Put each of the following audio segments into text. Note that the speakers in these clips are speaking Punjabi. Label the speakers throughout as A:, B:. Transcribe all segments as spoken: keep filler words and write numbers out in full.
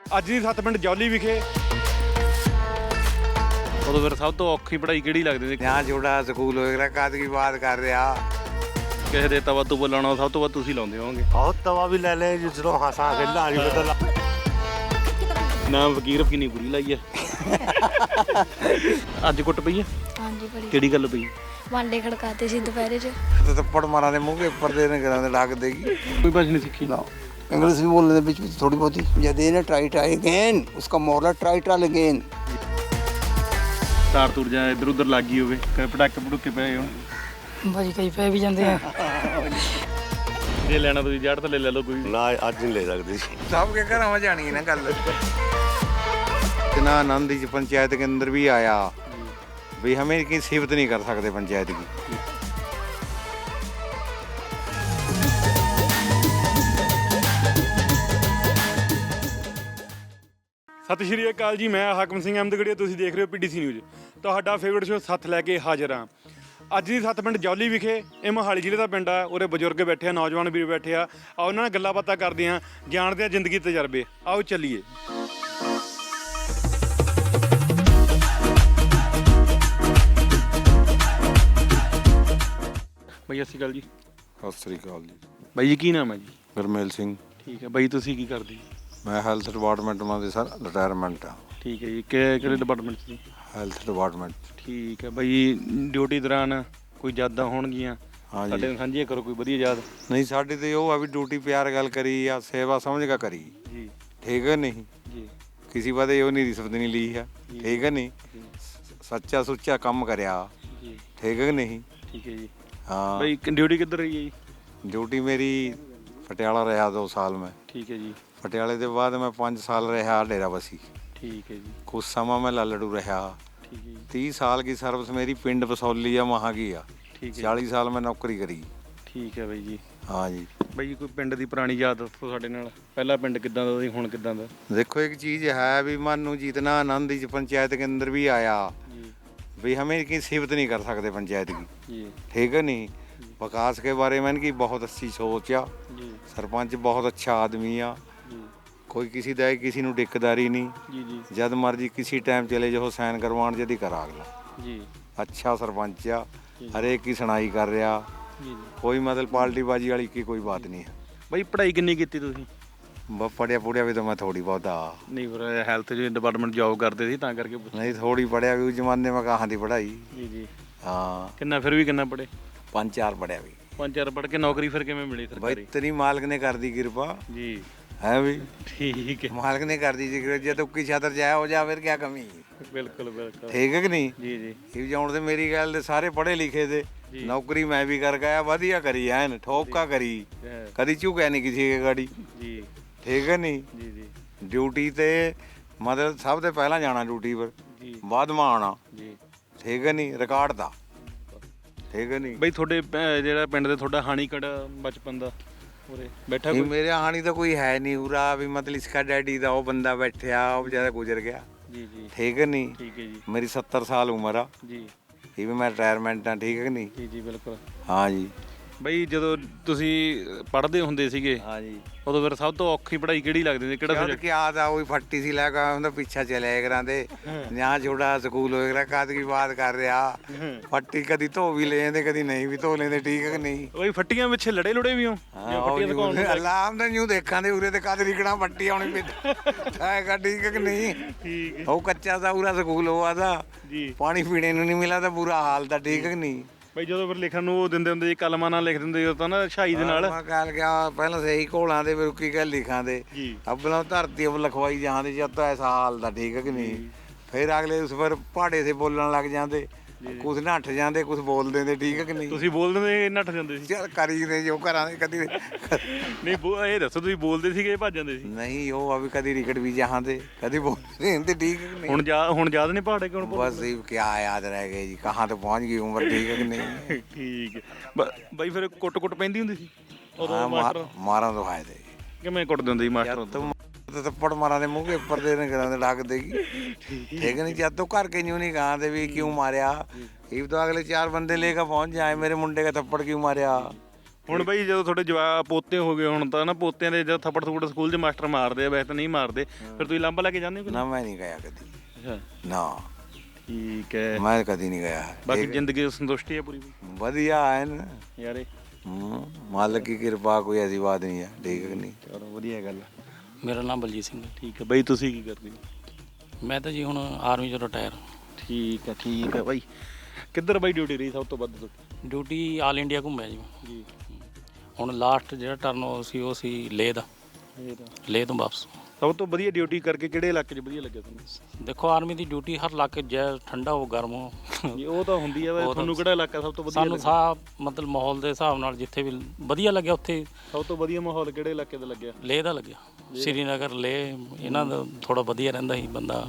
A: ਅੱਜ ਦੀ ਸੱਤ ਪਿੰਡ ਜੌਲੀ ਵਿਖੇ ਉਦੋਂ ਫਿਰ ਸਭ ਤੋਂ ਔਖੀ ਪੜ੍ਹਾਈ ਕਿਹੜੀ ਲੱਗਦੀ ਸੀ?
B: यहाँ छोटा स्कूल वगैरह कद की बात कर रहा
A: ਕਿਸੇ ਦੇ ਤਵਾ ਤੋਂ ਲਾਉਣਾ ਸਭ ਤੋਂ ਵੱਧ ਤੁਸੀਂ ਲਾਉਂਦੇ ਹੋਵੋਗੇ।
B: बहुत तवा भी ले ले जिसरो हंसा खेलना नहीं पता
A: ਨਾਮ ਫਕੀਰ ਕਿੰਨੀ ਬੁਰੀ ਲਾਈ ਹੈ। ਅੱਜ ਕੁੱਟ ਪਈ ਹੈ?
C: ਹਾਂਜੀ ਬੜੀ
A: ਕਿਹੜੀ ਗੱਲ ਪਈ?
C: ਵਾਂਡੇ ਖੜਕਾਤੇ ਸੀ ਦੁਪਹਿਰੇ 'ਚ।
B: तो थप्पड़ मारा ने मुंह के ऊपर देने करा दे डाक देगी
A: ਕੋਈ ਭਾਸ਼ਾ ਨਹੀਂ ਸਿੱਖੀ?
B: इंग्लिश भी बोलने दे बीच बीच थोड़ी बहुत ही जब देने ट्राई ट्राई अगेन उसका मोरला ट्राई ट्राई अगेन
A: ਤਾਰ ਤੁਰ ਜਾ ਇੱਧਰ ਉੱਧਰ ਲੱਗ ਗਈ ਹੋਵੇ, ਕਦੇ ਪਟਾਕੇ ਪਟੂਕੇ ਪਏ ਹੋਣ।
D: ਭਾਜੀ ਕਈ ਪੈ ਵੀ ਜਾਂਦੇ ਆ।
A: ਜੇ ਲੈਣਾ ਤੁਸੀਂ ਜੜ ਥੱਲੇ ਲੈ ਲਓ ਕੋਈ।
B: ना आज नहीं ले सकते सब के घर में जानी है ना गल इतना आनंद इस पंचायत के अंदर भी आया भी हमें की सिफत नहीं कर सकते पंचायत की।
A: ਸਤਿ ਸ਼੍ਰੀ ਅਕਾਲ ਜੀ, ਮੈਂ ਹਾਕਮ ਸਿੰਘ ਅਹਿਮਦਗੜੀਆ, ਤੁਸੀਂ ਦੇਖ ਰਹੇ ਹੋ ਪੀਡੀਸੀ ਨਿਊਜ਼। ਤੁਹਾਡਾ ਫੇਵਰਟ ਸ਼ੋਅ ਸੱਤ ਲੈ ਕੇ ਹਾਜ਼ਰ ਹਾਂ। ਅੱਜ ਦੀ ਸੱਤ ਪਿੰਡ ਜੌਲੀ ਵਿਖੇ, ਇਹ ਮੋਹਾਲੀ ਜ਼ਿਲ੍ਹੇ ਦਾ ਪਿੰਡ ਆ। ਉਰੇ ਬਜ਼ੁਰਗ ਬੈਠੇ ਆ, ਨੌਜਵਾਨ ਵੀਰ ਬੈਠੇ ਆ। ਆਓ ਉਹਨਾਂ ਨਾਲ ਗੱਲਾਂ ਬਾਤਾਂ ਕਰਦੇ ਹਾਂ, ਜਾਣਦੇ ਹਾਂ ਜ਼ਿੰਦਗੀ ਦੇ ਤਜਰਬੇ। ਆਓ ਚੱਲੀਏ। ਬਾਈ ਸਤਿ ਸ਼੍ਰੀ ਅਕਾਲ ਜੀ।
B: ਸਤਿ ਸ੍ਰੀ ਅਕਾਲ ਜੀ।
A: ਬਾਈ ਜੀ ਕੀ ਨਾਮ ਹੈ ਜੀ?
B: ਗੁਰਮੇਲ ਸਿੰਘ।
A: ਠੀਕ ਹੈ ਬਾਈ, ਤੁਸੀਂ ਕੀ ਕਰਦੇ?
B: ਮੈਂ ਹੈਲਥ ਡਿਪਾਰਟਮੈਂਟ ਮਾਂ ਦੇ ਸਰ ਰਿਟਾਇਰਮੈਂਟ ਆ।
A: ਠੀਕ ਹੈ ਜੀ। ਕਿ ਕਿਹੜੇ ਡਿਪਾਰਟਮੈਂਟ 'ਚ ਜੀ?
B: Health department.
A: ਠੀਕ ਹੈ ਬਾਈ, ਡਿਊਟੀ ਦੌਰਾਨ ਕੋਈ ਯਾਦਾਂ ਹੋਣਗੀਆਂ
B: ਹਾਂ
A: ਸਾਡੇ
B: ਜੀ।
A: ਨਾਲ ਸਾਂਝੀਆਂ ਕਰੋ, ਕੋਈ ਵਧੀਆ ਯਾਦ।
B: ਨਹੀਂ ਸਾਡੇ ਤੇ ਉਹ ਆ ਵੀ ਡਿਊਟੀ ਪਿਆਰ ਗੱਲ ਕਰੀ ਆ, ਸੇਵਾ ਸਮਝ ਕੇ ਕਰੀ।
A: ਜੀ
B: ਠੀਕ ਹੈ ਨਹੀਂ
A: ਜੀ
B: ਕਿਸੇ ਬਾਰੇ ਉਹ ਨਹੀਂ ਰਿਸ਼ਵਤ ਨਹੀਂ ਲਈ ਆ। ਠੀਕ ਹੈ ਨਹੀਂ ਸੱਚਾ ਸੁੱਚਾ ਕੰਮ ਕਰਿਆ।
A: ਜੀ
B: ਠੀਕ ਹੈ ਨਹੀਂ
A: ਠੀਕ ਹੈ ਜੀ।
B: ਹਾਂ
A: ਬਾਈ ਡਿਊਟੀ ਕਿੱਧਰ ਰਹੀ ਹੈ ਜੀ?
B: ਡਿਊਟੀ ਮੇਰੀ ਪਟਿਆਲਾ ਰਿਹਾ ਦੋ ਸਾਲ ਮੈਂ।
A: ਠੀਕ ਹੈ ਜੀ।
B: ਪਟਿਆਲੇ ਦੇ ਬਾਅਦ ਮੈਂ ਪੰਜ ਸਾਲ ਰਿਹਾ ਡੇਰਾਬੱਸੀ।
A: ਠੀਕ ਹੈ ਜੀ।
B: ਕੁਛ ਸਮਾਂ ਮੈਂ ਲਾਲੜੂ ਰਿਹਾ।
A: ਠੀਕ ਹੈ ਜੀ।
B: तीस साल की सर्विस मेरी पिंड बसौली या वहाँ की आ।
A: ਠੀਕ ਹੈ
B: चालीस साल मैं नौकरी करी।
A: ਠੀਕ ਹੈ ਬਾਈ ਜੀ।
B: हाँ जी।
A: ਬਾਈ ਕੋਈ ਪਿੰਡ ਦੀ ਪੁਰਾਣੀ ਯਾਦ ਦੱਸੋ ਸਾਡੇ ਨਾਲ। ਪਹਿਲਾ ਪਿੰਡ ਕਿੱਦਾਂ ਦਾ ਸੀ, ਹੁਣ ਕਿੱਦਾਂ ਦਾ?
B: देखो एक चीज़ है भी मन नू जितना आनंद इस पंचायत के अंदर भी आया
A: ਜੀ
B: भी हमें की सिफत नहीं कर सकते पंचायत की।
A: ਜੀ
B: ठीक है नहीं विकास के बारे में इनकी बहुत अच्छी सोच आ।
A: ਜੀ
B: सरपंच बहुत अच्छा आदमी आ।
A: ਜੀ
B: कोई किसी दा किसी नू दिक्कतदारी नहीं।
A: ਜੀ ਜੀ
B: जद मर्जी किसी टाइम चले जाओ साइन करवाण जदी करा अगला।
A: ਜੀ
B: अच्छा सरपंच आ, हरेक की सुनाई कर रहा।
A: ਜੀ ਜੀ।
B: कोई मतलब पार्टी बाजी वाली की कोई बात नहीं है।
A: ਬਾਈ ਪੜ੍ਹਾਈ ਕਿੰਨੀ ਕੀਤੀ ਤੁਸੀਂ?
B: बस पढ़िया पुढ़िया भी तो मैं थोड़ी बहुत आ।
A: ਨਹੀਂ ਫਿਰ ਹੈਲਥ ਜੀ ਡਿਪਾਰਟਮੈਂਟ ਜੌਬ ਕਰਦੇ ਸੀ ਤਾਂ ਕਰਕੇ ਪੁੱਛ-
B: नहीं थोड़ी पढ़िया भी उस जमाने में कहाँ थी पढ़ाई।
A: ਜੀ ਜੀ।
B: हाँ
A: ਕਿੰਨਾ ਫਿਰ ਵੀ ਕਿੰਨਾ ਪੜ੍ਹੇ?
B: पाँच चार पढ़िया भी
A: ਪੰਜ ਚਾਰ ਪੜ੍ਹ ਕੇ ਨੌਕਰੀ ਫਿਰ ਕਿਵੇਂ ਮਿਲੀ
B: भाई
A: ਸਰਕਾਰੀ?
B: तेरी मालिक ने कर दी कृपा
A: ਜੀ
B: है भी।
A: ਠੀਕ ਹੈ।
B: मालिक ने कर दी जी कृपा जे तो की छातर जाए हो जा फिर क्या कमी।
A: ਬਿਲਕੁਲ ਬਿਲकुल।
B: ठीक है कि नहीं
A: ਜੀ ਜੀ
B: ये जाउण ते मेरी गल दे सारे पढ़े लिखे थे।
A: जी।
B: नौकरी मैं भी कर गया वधिया करी एन ठोका करी
A: ਹੈ।
B: कदी झुकिया नहीं किसी के गाड़ी।
A: ਜੀ
B: ठीक है नहीं
A: ਜੀ ਜੀ
B: ड्यूटी ते मतलब सब तो पहला जाना ड्यूटी पर
A: ਜੀ
B: बाद में आना।
A: ਜੀ।
B: ठीक है नहीं रिकॉर्ड था। ठीक है नहीं
A: ਬਈ ਤੁਹਾਡੇ ਪ- ਜਿਹੜਾ ਪਿੰਡ ਦੇ ਤੁਹਾਡਾ ਹਾਣੀ ਕੜਾ ਬਚਪਨ ਦਾ ਉਰੇ ਬੈਠਾ
B: नहीं
A: ਕੋਈ?
B: मेरे हानि तो कोई है नहीं उरा भी मतलब इसका डैडी था वो बंदा बैठा वो बेचारा गुजर गया।
A: ਜੀ ਜੀ
B: ठीक है नहीं
A: ਠੀਕ ਹੈ ਜੀ।
B: मेरी सत्तर साल उम्र आ।
A: ਜੀ
B: ये भी मैं रिटायरमेंट हाँ। ठीक है नहीं
A: ਜੀ ਜੀ ਬਿਲਕੁਲ।
B: हाँ जी
A: ਬਈ ਜਦੋਂ ਤੁਸੀਂ ਪੜ੍ਹਦੇ ਹੁੰਦੇ ਸੀਗੇ
B: हाँ जी
A: ਉਦੋਂ ਫਿਰ ਸਭ ਤੋਂ ਔਖੀ ਪੜ੍ਹਾਈ ਕਿਹੜੀ ਲੱਗਦੀ ਸੀ? ਕਿਹੜਾ
B: जद
A: subject?
B: क्या था वही फट्टी सी लगा उनका पीछा चले कराते यहाँ छोटा स्कूल वगैरह कद की बात कर रहा फट्टी कदी धो भी ले जाते कदी नहीं भी धो लेते। ठीक है कि नहीं
A: ਬਈ ਫੱਟੀਆਂ ਪਿੱਛੇ ਲੜੇ ਲੁੜੇ ਵੀ ਹੋ? ਜਾਂ ਫੱਟੀਆਂ ਦਿਖਾਉਣ ਨੂੰ?
B: अलाम तो यूं देखा दे उरे ते कद रिकना फट्टी आनी पे है। ठीक है कि नहीं
A: ਠੀਕ ਹੈ
B: वो कच्चा सा पूरा स्कूल हुआ था
A: ਜੀ।
B: पानी पीने ਨੂੰ नहीं मिला था बुरा हाल था। ठीक है कि नहीं
A: ਬਈ ਜਦੋਂ ਫਿਰ ਲਿਖਣ ਨੂੰ ਉਹ ਦਿੰਦੇ ਹੁੰਦੇ ਸੀ ਕਲਮਾਂ ਨਾਲ ਲਿਖ ਦਿੰਦੇ ਸੀ ਤਾਂ ਨਾ ਛਾਈ ਦੇ ਨਾਲ।
B: ਮੈਂ ਕਹਿ ਗਿਆ ਪਹਿਲਾਂ ਸਹੀ ਘੋਲਾਂ ਦੇ ਫਿਰ ਕੀ ਗੱਲ ਲਿਖਾਂ ਦੇ
A: ਜੀ
B: ਅਬਲਾ ਧਰਤੀ ਅਬ ਲਿਖਵਾਈ ਜਾਂਦੇ ਜਦ ਤਾਂ ਐਸਾ ਹਾਲ ਦਾ। ਠੀਕ ਹੈ ਕਿ ਨਹੀਂ ਫਿਰ ਅਗਲੇ ਉਸ ਪਰ ਪਹਾੜੇ ਸੇ ਬੋਲਣ ਲੱਗ ਜਾਂਦੇ ਕੁਛ ਨੱਠ ਜਾਂਦੇ ਕੁਛ ਬੋਲ ਦਿੰਦੇ। ਠੀਕ ਹੈ ਕਿ ਨਹੀਂ
A: ਤੁਸੀਂ ਬੋਲ ਦਿੰਦੇ ਨੱਠ ਜਾਂਦੇ ਸੀ?
B: ਚੱਲ ਕਰੀ ਦੇ ਜੋ ਘਰਾਂ ਦੇ ਕਦੀ
A: ਨਹੀਂ ਬੋ- ਇਹ ਦੱਸੋ ਤੁਸੀਂ ਬੋਲਦੇ ਸੀਗੇ ਜਾਂ ਭੱਜ ਜਾਂਦੇ ਸੀ?
B: ਨਹੀਂ ਉਹ ਆ ਵੀ ਕਦੀ ਰਿਕਟ ਵੀ ਜਹਾਂ ਤੇ ਕਦੀ ਬੋਲਦੇ ਹੁੰਦੇ। ਠੀਕ ਹੈ ਕਿ ਨਹੀਂ
A: ਹੁਣ ਜਾ ਹੁਣ ਯਾਦ ਨਹੀਂ ਪਹਾੜੇ ਕਿਉਂ ਭੁੱਲ
B: ਬਸ ਇਹ ਕੀ ਯਾਦ ਰਹਿ ਗਏ ਜੀ ਕਹਾਂ ਤੇ ਪਹੁੰਚ ਗਈ ਉਮਰ। ਠੀਕ ਹੈ ਕਿ ਨਹੀਂ
A: ਠੀਕ ਹੈ। ਬ- ਬਾਈ ਫਿਰ ਕੁੱਟ ਕੁੱਟ ਪੈਂਦੀ ਹੁੰਦੀ ਸੀ ਉਦੋਂ
B: ਹਾਂ
A: ਮਾਸਟਰ?
B: ਮਾਰਾਂ ਤੋਂ ਆਏ ਤੇ
A: ਕਿਵੇਂ ਕੁੱਟਦੇ ਹੁੰਦੇ ਸੀ ਮਾਸਟਰ?
B: तुम तो थप्पड़ मारा दे मुंह के ऊपर देने करा दे डाक देगी। ठीक है नहीं जब तो घर के यूं नहीं कहा दे भी क्यों मारिया। ये तो अगले चार बंदे लेकर पहुंच जाए मेरे मुंडे का थप्पड़ क्यों मारिया।
A: ਹੁਣ ਬਈ ਜਦੋਂ ਤੁਹਾਡੇ ਜਵਾ ਪੋਤੇ ਹੋ ਗਏ ਹੁਣ ਤਾਂ ਨਾ ਪੋਤਿਆਂ ਦੇ ਜਦ ਥੱਪੜ ਥੁੱਪੜ ਸਕੂਲ 'ਚ ਮਾਸਟਰ ਮਾਰਦੇ ਆ, ਵੈਸੇ ਤਾਂ ਨਹੀਂ ਮਾਰਦੇ, ਫਿਰ ਤੁਸੀਂ ਲਾਂਬਾ ਲੈ ਕੇ ਜਾਂਦੇ ਹੋ ਕਿ
B: ਨਾ ਮੈਂ ਨਹੀਂ ਗਿਆ ਕਦੀ
A: ਅੱਛਾ
B: ਨਾ
A: ਠੀਕ ਹੈ।
B: ਮੈਂ ਕਦੀ ਨਹੀਂ ਗਿਆ
A: ਬਾਕੀ ਜ਼ਿੰਦਗੀ ਸੰਤੁਸ਼ਟੀ ਹੈ ਪੂਰੀ
B: ਵਧੀਆ ਹੈ ਨਾ
A: ਯਾਰੇ।
B: ਹੂੰ ਮਾਲਕ ਦੀ ਕਿਰਪਾ ਕੋਈ ਐਸੀ ਬਾਤ ਨਹੀਂ ਹੈ ਠੀਕ ਹੈ ਕਿ ਨਹੀਂ
A: ਚਲੋ ਵਧੀਆ ਗੱਲ ਹੈ।
D: ਮੇਰਾ ਨਾਮ ਬਲਜੀਤ ਸਿੰਘ ਹੈ।
A: ਠੀਕ ਹੈ ਬਈ ਤੁਸੀਂ ਕੀ ਕਰਦੇ ਹੋ?
D: ਮੈਂ ਤਾਂ ਜੀ ਹੁਣ ਆਰਮੀ ਚੋਂ ਰਿਟਾਇਰ।
A: ਠੀਕ ਹੈ ਠੀਕ ਹੈ ਬਾਈ। ਕਿੱਧਰ ਬਾਈ ਡਿਊਟੀ ਰਹੀ ਸਭ ਤੋਂ ਵੱਧ ਤੁਹਾਡੀ?
D: ਡਿਊਟੀ ਆਲ ਇੰਡੀਆ ਘੁੰਮਿਆ ਜੀ।
A: ਜੀ
D: ਹੁਣ ਲਾਸਟ ਜਿਹੜਾ ਟਰਨ ਉਹ ਸੀ ਉਹ ਸੀ ਲੇਹ ਦਾ।
A: ਇਹ ਤਾਂ
D: ਲੇਹ ਤੋਂ ਵਾਪਸ।
A: ਸਭ ਤੋਂ ਵਧੀਆ ਡਿਊਟੀ ਕਰਕੇ ਕਿਹੜੇ ਇਲਾਕੇ 'ਚ ਵਧੀਆ ਲੱਗਿਆ ਤੁਹਾਨੂੰ?
D: ਦੇਖੋ ਆਰਮੀ ਦੀ ਡਿਊਟੀ ਹਰ ਇਲਾਕੇ ਜੈ ਠੰਡਾ ਹੋ ਗਰਮ ਹੋ
A: ਜੀ ਉਹ ਤਾਂ ਹੁੰਦੀ ਹੈ ਵੈਸੇ,
D: ਉਹ ਤਾਂ-
A: ਤੁਹਾਨੂੰ ਕਿਹੜਾ ਇਲਾਕਾ ਸਭ ਤੋਂ ਵਧੀਆ
D: ਸਾਨੂੰ
A: ਲੱਗਿਆ?
D: ਸਾਹ ਮਤਲਬ ਮਾਹੌਲ ਦੇ ਹਿਸਾਬ ਨਾਲ ਜਿੱਥੇ ਵੀ ਵਧੀਆ ਲੱਗਿਆ ਉੱਥੇ
A: ਸਭ ਤੋਂ ਵਧੀਆ ਮਾਹੌਲ ਕਿਹੜੇ ਇਲਾਕੇ ਦਾ ਲੱਗਿਆ?
D: ਲੇਹ ਦਾ ਲੱਗਿਆ। ਸ਼੍ਰੀਨਗਰ ਲੇਹ ਇਹਨਾਂ ਦਾ ਥੋੜਾ ਵਧੀਆ ਰਹਿੰਦਾ ਸੀ ਬੰਦਾ,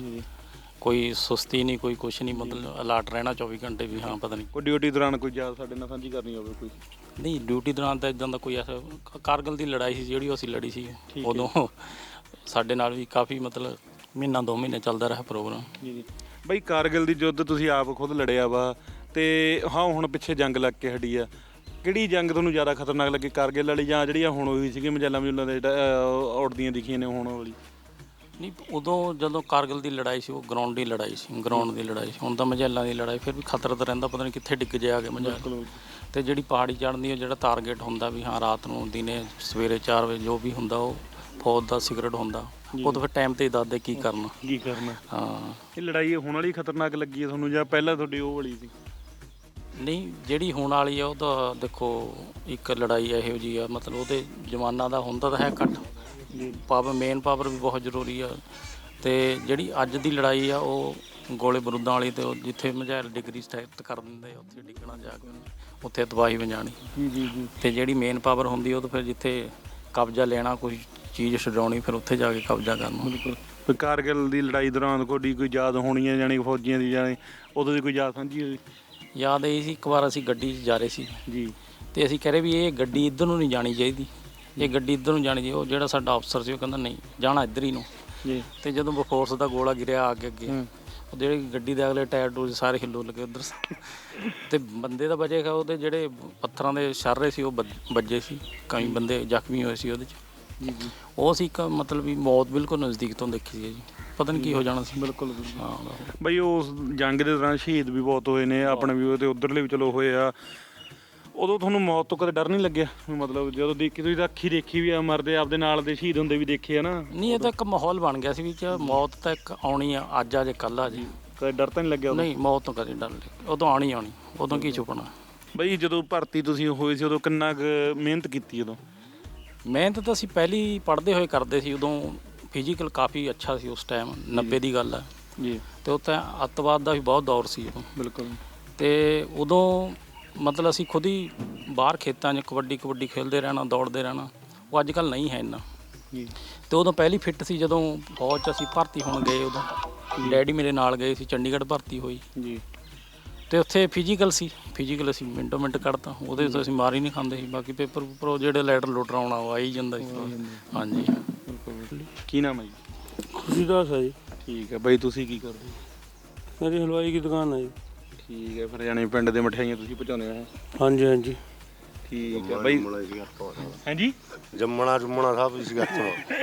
D: ਕੋਈ ਸੁਸਤੀ ਨਹੀਂ ਕੋਈ ਕੁਛ ਨਹੀਂ, ਮਤਲਬ ਅਲਰਟ ਰਹਿਣਾ ਚੌਵੀ ਘੰਟੇ ਵੀ ਹਾਂ ਪਤਾ ਨਹੀਂ।
A: ਕੋਈ ਡਿਊਟੀ ਦੌਰਾਨ ਕੋਈ ਯਾਦ ਸਾਡੇ ਨਾਲ ਸਾਂਝੀ ਕਰਨੀ ਹੋਵੇ ਕੋਈ?
D: ਨਹੀਂ ਡਿਊਟੀ ਦੌਰਾਨ ਤਾਂ ਇਦਾਂ ਦਾ ਕੋਈ ਐਸਾ ਕਾਰਗਿਲ ਦੀ ਲੜਾਈ ਸੀ ਜਿਹੜੀ ਅਸੀਂ ਲੜੀ ਸੀ ਉਦੋਂ ਸਾਡੇ ਨਾਲ ਵੀ ਕਾਫੀ ਮਤਲਬ ਮਹੀਨਾ ਦੋ ਮਹੀਨੇ ਚੱਲਦਾ ਰਿਹਾ ਪ੍ਰੋਗਰਾਮ।
A: ਜੀ ਜੀ ਬਈ ਕਾਰਗਿਲ ਦੀ ਯੁੱਧ ਤੁਸੀਂ ਆਪ ਖੁਦ ਲੜਿਆ ਵਾ ਤੇ ਹਾਂ ਹੁਣ ਪਿੱਛੇ ਜੰਗ ਲੱਗ ਕੇ ਹਟੀ ਆ, ਕਿਹੜੀ ਜੰਗ ਤੁਹਾਨੂੰ ਜ਼ਿਆਦਾ ਖਤਰਨਾਕ ਲੱਗੀ, ਕਾਰਗਿਲ ਵਾਲੀ ਜਾਂ ਜਿਹੜੀ ਹੁਣ ਹੋਈ ਸੀਗੀ ਮਜੈਲਾਂ ਮਜੂਲਾਂ ਦੇ ਉੱਡਦੀਆਂ ਦਿਖੀਆਂ ਨੇ ਹੁਣ ਵਾਲੀ?
D: ਨਹੀਂ ਉਦੋਂ ਜਦੋਂ ਕਾਰਗਿਲ ਦੀ ਲੜਾਈ ਸੀ ਉਹ ਗਰਾਊਂਡ ਦੀ ਲੜਾਈ ਸੀ, ਗਰਾਊਂਡ ਦੀ ਲੜਾਈ ਸੀ। ਹੁਣ ਤਾਂ ਮਜੈਲਾਂ ਦੀ ਲੜਾਈ ਫਿਰ ਵੀ ਖਤਰਾ ਤਾਂ ਰਹਿੰਦਾ, ਪਤਾ ਨਹੀਂ ਕਿੱਥੇ ਡਿੱਗ ਜੇ ਆ ਕੇ ਮਜੈਲ। ਤੇ ਜਿਹੜੀ ਪਹਾੜੀ ਚੜ੍ਹਨ ਦੀ ਉਹ ਜਿਹੜਾ ਟਾਰਗੇਟ ਹੁੰਦਾ ਵੀ ਹਾਂ ਰਾਤ ਨੂੰ ਦਿਨੇ ਸਵੇਰੇ ਚਾਰ ਵਜੇ ਜੋ ਵੀ ਹੁੰਦਾ ਉਹ ਫੌਜ ਦਾ ਸਿਗਰਟ ਹੁੰਦਾ, ਉਹ ਤਾਂ ਫਿਰ ਟਾਈਮ ਤੇ ਹੀ ਦੱਸਦੇ ਕੀ ਕਰਨਾ
A: ਕੀ ਕਰਨਾ।
D: ਹਾਂ
A: ਇਹ ਲੜਾਈ ਹੁਣ ਵਾਲੀ ਖਤਰਨਾਕ ਲੱਗੀ ਹੈ ਤੁਹਾਨੂੰ ਜਾਂ ਪਹਿਲਾਂ ਤੁਹਾਡੀ ਉਹ ਵਾਲੀ ਸੀ?
D: ਨਹੀਂ ਜਿਹੜੀ ਹੁਣ ਵਾਲੀ ਆ ਉਹ ਤਾਂ ਦੇਖੋ ਇੱਕ ਲੜਾਈ ਇਹੋ ਜਿਹੀ ਆ, ਮਤਲਬ ਉਹਦੇ ਜ਼ਮਾਨਾ ਦਾ ਹੁੰਦਾ ਤਾਂ ਹੈ ਘੱਟ, ਪਾਵਰ ਮੇਨ ਪਾਵਰ ਵੀ ਬਹੁਤ ਜ਼ਰੂਰੀ ਆ। ਤੇ ਜਿਹੜੀ ਅੱਜ ਦੀ ਲੜਾਈ ਆ ਉਹ ਗੋਲੇ ਬਰੂਦਾਂ ਵਾਲੀ, ਤੇ ਉਹ ਜਿੱਥੇ ਮਝੈਲ ਡਿਗਰੀ ਸਟੈਟ ਕਰ ਦਿੰਦੇ ਆ ਉੱਥੇ ਡਿੱਗਣਾ ਜਾ ਕੇ ਉੱਥੇ ਤਬਾਹੀ ਵਜਾਣੀ।
A: ਜੀ ਜੀ ਜੀ
D: ਤੇ ਜਿਹੜੀ ਮੇਨ ਪਾਵਰ ਹੁੰਦੀ ਉਹ ਤਾਂ ਫਿਰ ਜਿੱਥੇ ਕਬਜ਼ਾ ਲੈਣਾ ਕੋਈ ਚੀਜ਼ ਛਡਾਉਣੀ ਫਿਰ ਉੱਥੇ ਜਾ ਕੇ ਕਬਜ਼ਾ ਕਰਨਾ।
A: ਬਿਲਕੁਲ। ਕਾਰਗਿਲ ਦੀ ਲੜਾਈ ਦੌਰਾਨ ਤੁਹਾਡੀ ਕੋਈ ਯਾਦ ਹੋਣੀ ਹੈ ਜਾਣੀ ਫੌਜੀਆਂ ਦੀ ਜਾਣੀ ਉਦੋਂ ਦੀ ਕੋਈ ਯਾਦ ਸਾਂਝੀ ਹੋਈ?
D: ਯਾਦ ਇਹ ਸੀ ਇੱਕ ਵਾਰ ਅਸੀਂ ਗੱਡੀ 'ਚ ਜਾ ਰਹੇ ਸੀ
A: ਜੀ
D: ਤੇ ਅਸੀਂ ਕਹਿ ਰਹੇ ਵੀ ਇਹ ਗੱਡੀ ਇੱਧਰ ਨੂੰ ਨਹੀਂ ਜਾਣੀ ਚਾਹੀਦੀ, ਇਹ ਗੱਡੀ ਇੱਧਰ ਨੂੰ ਜਾਣੀ ਚਾਹੀਦੀ। ਉਹ ਜਿਹੜਾ ਸਾਡਾ ਅਫਸਰ ਸੀ ਉਹ ਕਹਿੰਦਾ ਨਹੀਂ ਜਾਣਾ ਇੱਧਰ ਹੀ ਨੂੰ।
A: ਜੀ
D: ਤੇ ਜਦੋਂ ਬਫੋਰਸ ਦਾ ਗੋਲਾ ਗਿਰਿਆ ਅੱਗੇ ਅੱਗੇ ਉਹ ਜਿਹੜੇ ਗੱਡੀ ਦੇ ਅਗਲੇ ਟਾਇਰ ਟੂਰ ਸਾਰੇ ਹਿੱਲੋ ਲੱਗੇ ਉੱਧਰ ਤੇ ਬੰਦੇ ਦਾ ਬਚੇਗਾ, ਉਹਦੇ ਜਿਹੜੇ ਪੱਥਰਾਂ ਦੇ ਛਰਰੇ ਸੀ ਉਹ ਵੱਜ- ਵੱਜੇ ਸੀ, ਕਈ ਬੰਦੇ ਜ਼ਖਮੀ ਹੋਏ ਸੀ ਉਹਦੇ 'ਚ।
A: ਜੀ ਜੀ
D: ਉਹ ਸੀ ਇੱਕ ਮਤਲਬ ਵੀ ਮੌਤ ਬਿਲਕੁਲ ਨਜ਼ਦੀਕ ਤੋਂ ਦੇਖੀ ਸੀ ਜੀ, ਪਤਾ ਨਹੀਂ ਕੀ ਹੋ ਜਾਣਾ ਸੀ।
A: ਬਿਲਕੁਲ
D: ਹਾਂ
A: ਬਈ ਉਸ ਜੰਗ ਦੇ ਦੌਰਾਨ ਸ਼ਹੀਦ ਵੀ ਬਹੁਤ ਹੋਏ ਨੇ ਆਪਣੇ ਵੀ ਉਹ ਤੇ ਉਧਰਲੇ ਵੀ ਚਲੋ ਹੋਏ ਆ, ਉਦੋਂ ਤੁਹਾਨੂੰ ਮੌਤ ਤੋਂ ਕਦੇ ਡਰ ਨਹੀਂ ਲੱਗਿਆ? ਮਤਲਬ ਜਦੋਂ ਦੇਖੀ ਤੁਸੀਂ ਤਾਂ ਅੱਖੀ ਦੇਖੀ ਵੀ ਆ ਮਰਦੇ, ਆਪਦੇ ਨਾਲ ਦੇ ਸ਼ਹੀਦ ਹੁੰਦੇ ਵੀ ਦੇਖੇ ਆ ਨਾ।
D: ਨਹੀਂ ਇਹ ਤਾਂ ਇੱਕ ਮਾਹੌਲ ਬਣ ਗਿਆ ਸੀ ਵੀ ਚ ਮੌਤ ਤਾਂ ਇੱਕ ਆਉਣੀ ਆ, ਅੱਜ ਆ ਜੇ ਕੱਲ੍ਹ ਆ ਜੀ।
A: ਕਦੇ ਡਰ ਤਾਂ ਨਹੀਂ ਲੱਗਿਆ ਉਦੋਂ?
D: ਨਹੀਂ ਮੌਤ ਤੋਂ ਕਦੇ ਡਰ ਨਹੀਂ, ਉਦੋਂ ਆਉਣੀ ਆਉਣੀ, ਉਦੋਂ ਕੀ ਛੁਪਣਾ।
A: ਬਈ ਜਦੋਂ ਭਰਤੀ ਤੁਸੀਂ ਹੋਏ ਸੀ ਉਦੋਂ ਕਿੰਨਾ ਕੁ ਮਿਹਨਤ ਕੀਤੀ ਉਦੋਂ?
D: ਮਿਹਨਤ ਤਾਂ ਅਸੀਂ ਪਹਿਲੀ ਪੜ੍ਹਦੇ ਹੋਏ ਕਰਦੇ ਸੀ, ਉਦੋਂ ਫਿਜ਼ੀਕਲ ਕਾਫੀ ਅੱਛਾ ਸੀ ਉਸ ਟਾਈਮ, ਨੱਬੇ ਦੀ ਗੱਲ ਹੈ
A: ਜੀ।
D: ਤੇ ਉੱਥੇ ਅੱਤਵਾਦ ਦਾ ਵੀ ਬਹੁਤ ਦੌਰ ਸੀ ਉਦੋਂ।
A: ਬਿਲਕੁਲ।
D: ਤੇ ਉਦੋਂ ਮਤਲਬ ਅਸੀਂ ਖੁਦ ਹੀ ਬਾਹਰ ਖੇਤਾਂ 'ਚ ਕਬੱਡੀ ਕਬੱਡੀ ਖੇਡਦੇ ਰਹਿਣਾ, ਦੌੜਦੇ ਰਹਿਣਾ, ਉਹ ਅੱਜ ਕੱਲ੍ਹ ਨਹੀਂ ਹੈ ਇੰਨਾ।
A: ਜੀ।
D: ਤੇ ਉਦੋਂ ਪਹਿਲੀ ਫਿੱਟ ਸੀ ਜਦੋਂ ਫੌਜ 'ਚ ਅਸੀਂ ਭਰਤੀ ਹੋਣ ਗਏ, ਉਦੋਂ ਡੈਡੀ ਮੇਰੇ ਨਾਲ ਗਏ ਸੀ, ਚੰਡੀਗੜ੍ਹ ਭਰਤੀ ਹੋਈ।
A: ਜੀ।
D: ਤੇ ਉੱਥੇ ਫਿਜ਼ੀਕਲ ਸੀ, ਫਿਜ਼ੀਕਲ ਅਸੀਂ ਮਿੰਟੋ ਮਿੰਟ ਕੱਢਤਾ, ਉਹਦੇ ਤੋਂ ਅਸੀਂ ਮਾਰ ਹੀ ਨਹੀਂ ਖਾਂਦੇ ਸੀ। ਬਾਕੀ ਪੇਪਰ ਪੂਪਰ ਉਹ ਜਿਹੜੇ ਲੈਟਰ ਲੁਟਰ ਆਉਣਾ ਉਹ ਆ ਹੀ ਜਾਂਦਾ ਸੀ। ਹਾਂਜੀ
A: ਬਿਲਕੁਲ। ਕੀ ਨਾਮ ਹੈ ਜੀ?
E: ਖੁਸ਼ੀਦਾਸ ਹੈ ਜੀ।
A: ਠੀਕ ਹੈ ਬਈ ਤੁਸੀਂ ਕੀ ਕਰਦੇ?
E: ਮੇਰੀ ਹਲਵਾਈ ਦੀ ਦੁਕਾਨ ਹੈ ਜੀ।
A: ਠੀਕ ਹੈ ਫਿਰ ਜਾਣੀ ਪਿੰਡ ਦੇ ਮਠਿਆਈਆਂ ਤੁਸੀਂ ਪਹੁੰਚਾਉਂਦੇ ਹੋ?
E: ਹਾਂਜੀ ਹਾਂਜੀ।
A: ਠੀਕ ਹੈ ਬਈ। ਹਾਂਜੀ
F: ਜੰਮਣਾ ਜੁੰਮਣਾ ਸਭ ਇਸ ਗੱਤ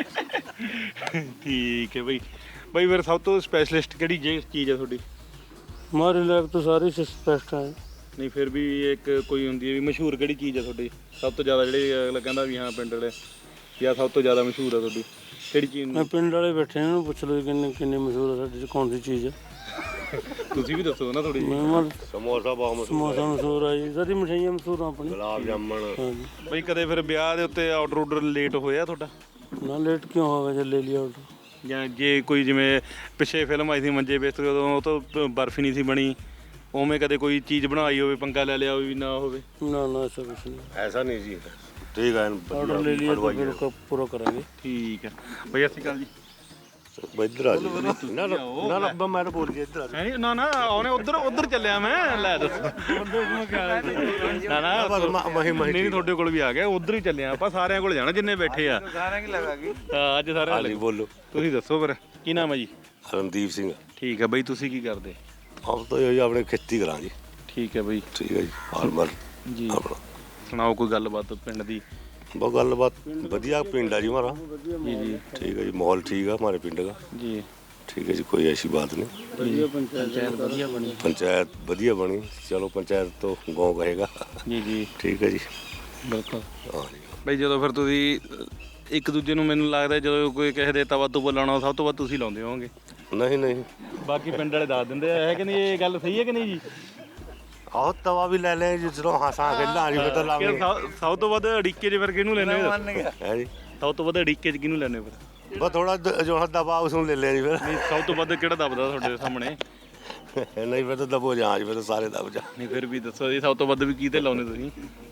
A: ਠੀਕ ਹੈ ਬਈ। ਬਈ ਫਿਰ ਸਭ ਤੋਂ ਸਪੈਸ਼ਲਿਸਟ ਕਿਹੜੀ ਜੇ ਚੀਜ਼ ਹੈ ਤੁਹਾਡੀ?
E: हमारे लायक तो सारे सस्पेक्ट हैं।
A: ਨਹੀਂ ਫਿਰ ਵੀ ਇੱਕ ਕੋਈ ਹੁੰਦੀ ਹੈ ਵੀ ਮਸ਼ਹੂਰ ਕਿਹੜੀ ਚੀਜ਼ ਹੈ ਤੁਹਾਡੀ ਸਭ ਤੋਂ ਜ਼ਿਆਦਾ, ਜਿਹੜੀ ਅਗਲਾ ਕਹਿੰਦਾ ਵੀ ਹਾਂ ਪਿੰਡ ਵਾਲੇ ਜਾਂ ਸਭ ਤੋਂ ਜ਼ਿਆਦਾ ਮਸ਼ਹੂਰ ਹੈ ਤੁਹਾਡੀ ਕਿਹੜੀ ਚੀਜ਼
E: मैं
A: ਨੂੰ?
E: पिंड वाले बैठे हैं उन्होंने पूछ लो किन्ने किन्ने मशहूर है साढ़े च कौन सी चीज़ है।
A: ਤੁਸੀਂ ਵੀ ਦੱਸੋ ਨਾ ਥੋੜੀ ਜਿਹੀ।
E: मैं
F: ਸਮੋਸਾ ਬਹੁਤ ਮਸ਼ਹੂਰ
E: समोसा मशहूर है जी, सारी मिठाइयाँ मशहूर हैं अपनी।
F: ਗੁਲਾਬ ਜਾਮਣ
E: हाँ जी।
A: ਬਈ ਕਦੇ ਫਿਰ ਵਿਆਹ ਦੇ ਉੱਤੇ ਆਰਡਰ ਆਰਡਰ ਲੇਟ ਹੋਇਆ ਤੁਹਾਡਾ?
E: ना लेट क्यों होगा जब ले लिया ऑर्डर।
A: ਜਾਂ ਜੇ ਕੋਈ ਜਿਵੇਂ ਪਿੱਛੇ ਫਿਲਮ ਆਈ ਸੀ ਮੰਜੇ ਬਿਸਤਰੇ, ਉਦੋਂ ਉਹ ਤੋਂ ਬਰਫੀ ਨਹੀਂ ਸੀ ਬਣੀ, ਉਵੇਂ ਕਦੇ ਕੋਈ ਚੀਜ਼ ਬਣਾਈ ਹੋਵੇ ਪੰਗਾ ਲੈ ਲਿਆ ਹੋਵੇ ਵੀ ਨਾ ਹੋਵੇ?
E: ना ना ऐसा कुछ नहीं,
F: ਐਸਾ ਨਹੀਂ ਜੀ ਠੀਕ ਹੈ
E: ऑर्डर ले लिया तो फिर उसका पूरा करेंगे।
A: ਠੀਕ ਹੈ ਬਈ। ਸਤਿ ਸ਼੍ਰੀ ਅਕਾਲ ਜੀ।
F: ਇੱਧਰ ਆ ਜੀ ਨਾ ਨਾ ਨਾ ਨਾ ਮੈਂ ਤਾਂ ਬੋਲ ਗਿਆ ਇੱਧਰ ਆ
A: ਹੈ ਨਹੀਂ ਨਾ ਨਾ ਉਹਨੇ ਉਧਰ ਉਧਰ ਚੱਲਿਆ ਮੈਂ ਲੈ ਦੱਸੋ ਨਾ ਨਾ
F: ਮਹੀ
A: ਨਹੀਂ ਨਹੀਂ ਤੁਹਾਡੇ ਕੋਲ ਵੀ ਆ ਗਿਆ, ਉਧਰ ਹੀ ਚੱਲਿਆ ਆਪਾਂ, ਸਾਰਿਆਂ ਕੋਲ ਜਾਣਾ ਜਿੰਨੇ ਬੈਠੇ ਆ।
B: ਸਾਰਿਆਂ ਕੀ ਲਗਾ ਗਈ
A: ਹਾਂ ਅੱਜ ਸਾਰਿਆਂ
F: ਹਾਂਜੀ ਬੋਲੋ।
A: ਤੁਸੀਂ ਦੱਸੋ ਫਿਰ ਕੀ ਨਾਮ ਹੈ ਜੀ?
F: ਰਣਦੀਪ ਸਿੰਘ।
A: ਠੀਕ ਹੈ ਬਈ। ਤੁਸੀਂ ਕੀ ਕਰਦੇ?
F: ਆਪ ਤਾਂ ਇਹ ਆਪਣੇ ਖੇਤੀ ਕਰਾਂ ਜੀ।
A: ਠੀਕ ਹੈ ਬਈ।
F: ਠੀਕ ਹੈ ਜੀ ਫਾਰਮਰ
A: ਜੀ।
F: ਆਪਣਾ
A: ਸੁਣਾਓ ਕੋਈ ਗੱਲਬਾਤ ਪਿੰਡ ਦੀ।
F: बहुत गलबात बढ़िया पिंड है जी हमारा।
A: ਜੀ ਜੀ
F: ठीक है जी, माहौल ठीक है हमारे पिंड का।
A: ਜੀ
F: ठीक है जी, कोई ऐसी बात नहीं।
D: ਪੰਚਾਇਤ ਵਧੀਆ ਬਣੀ।
F: पंचायत बढ़िया बनी, चलो पंचायत तो गाँव कहेगा।
A: ਜੀ ਜੀ
F: ठीक है जी।
A: ਬਿਲਕੁਲ।
F: हाँ जी।
A: ਬਈ ਜਦੋਂ ਫਿਰ ਤੁਸੀਂ ਇੱਕ ਦੂਜੇ ਨੂੰ ਮੈਨੂੰ ਲੱਗਦਾ ਜਦੋਂ ਕੋਈ ਕਿਸੇ ਦੇ ਤਵਾ ਤੋਂ ਲਾਉਣਾ ਸਭ ਤੋਂ ਵੱਧ ਤੁਸੀਂ ਲਾਉਂਦੇ ਹੋਵੋਗੇ।
F: नहीं नहीं,
A: ਬਾਕੀ ਪਿੰਡ ਵਾਲੇ ਦੱਸ ਦਿੰਦੇ ਆ ਹੈ ਕਿ ਨਹੀਂ, ਇਹ ਗੱਲ ਸਹੀ ਹੈ ਕਿ ਨਹੀਂ ਜੀ।
F: आओ तवा भी ले लें जिसको हंसा खेलना जी तो
A: ਕਿ
F: लागे
A: ਸਭ- ਸਭ ਤੋਂ ਵੱਧ ਅੜੀਕੇ 'ਚ ਫਿਰ ਕਿਹਨੂੰ ਲੈਂਦੇ ਹੋ?
F: है जी।
A: ਸਭ ਤੋਂ ਵੱਧ ਅੜੀਕੇ 'ਚ ਕਿਹਨੂੰ ਲੈਂਦੇ ਹੋ ਫਿਰ?
F: बस थोड़ा द- जो है दबाव उसमें ले लें जी फिर।
A: ਨਹੀਂ ਸਭ ਤੋਂ ਵੱਧ ਕਿਹੜਾ ਦਬਦਾ ਤੁਹਾਡੇ ਸਾਹਮਣੇ?
F: नहीं फिर तो दबो जहाँ जी, फिर तो सारे दब जा।
A: ਨਹੀਂ ਫਿਰ ਵੀ ਦੱਸੋ ਜੀ ਸਭ ਤੋਂ ਵੱਧ ਵੀ ਕਿਹਦੇ ਲਾਉਂਦੇ ਤੁਸੀਂ?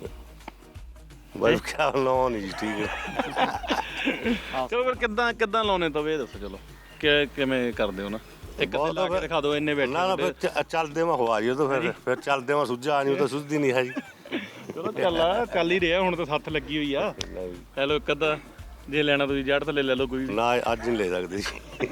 F: बस क्या लो नहीं जी, ठीक है।
A: ਚਲੋ ਫਿਰ ਕਿੱਦਾਂ ਕਿੱਦਾਂ ਲਾਉਨੇ ਤਵੇ ਇਹ ਦੱਸੋ। ਚਲੋ ਕਿ ਕਿਵੇਂ ਕਰਦੇ ਹੋ ਨਾ, ਇੱਕ ਤੇ ਲਾ ਕੇ ਦਿਖਾ ਦਿਓ ਇੰਨੇ ਬੈਠੇ
F: ना ना
A: ਹੁੰਦੇ।
F: फिर च- चलते में हुआ जी, तो फिर फिर चलते में सुझा नहीं, तो सुझदी नहीं है जी।
A: ਚਲੋ ਚੱਲ ਆ ਚੱਲ ਹੀ ਰਿਹਾ ਹੁਣ ਤਾਂ ਸੱਤ ਲੱਗੀ ਹੋਈ ਆ।
F: नहीं
A: ਹੈਲੋ ਇੱਕ ਅੱਧਾ ਜੇ ਲੈਣਾ ਤੁਸੀਂ ਜੜ ਥੱਲੇ ਲੈ ਲਓ ਕੋਈ ਵੀ।
F: ना अज नहीं ले सकते जी।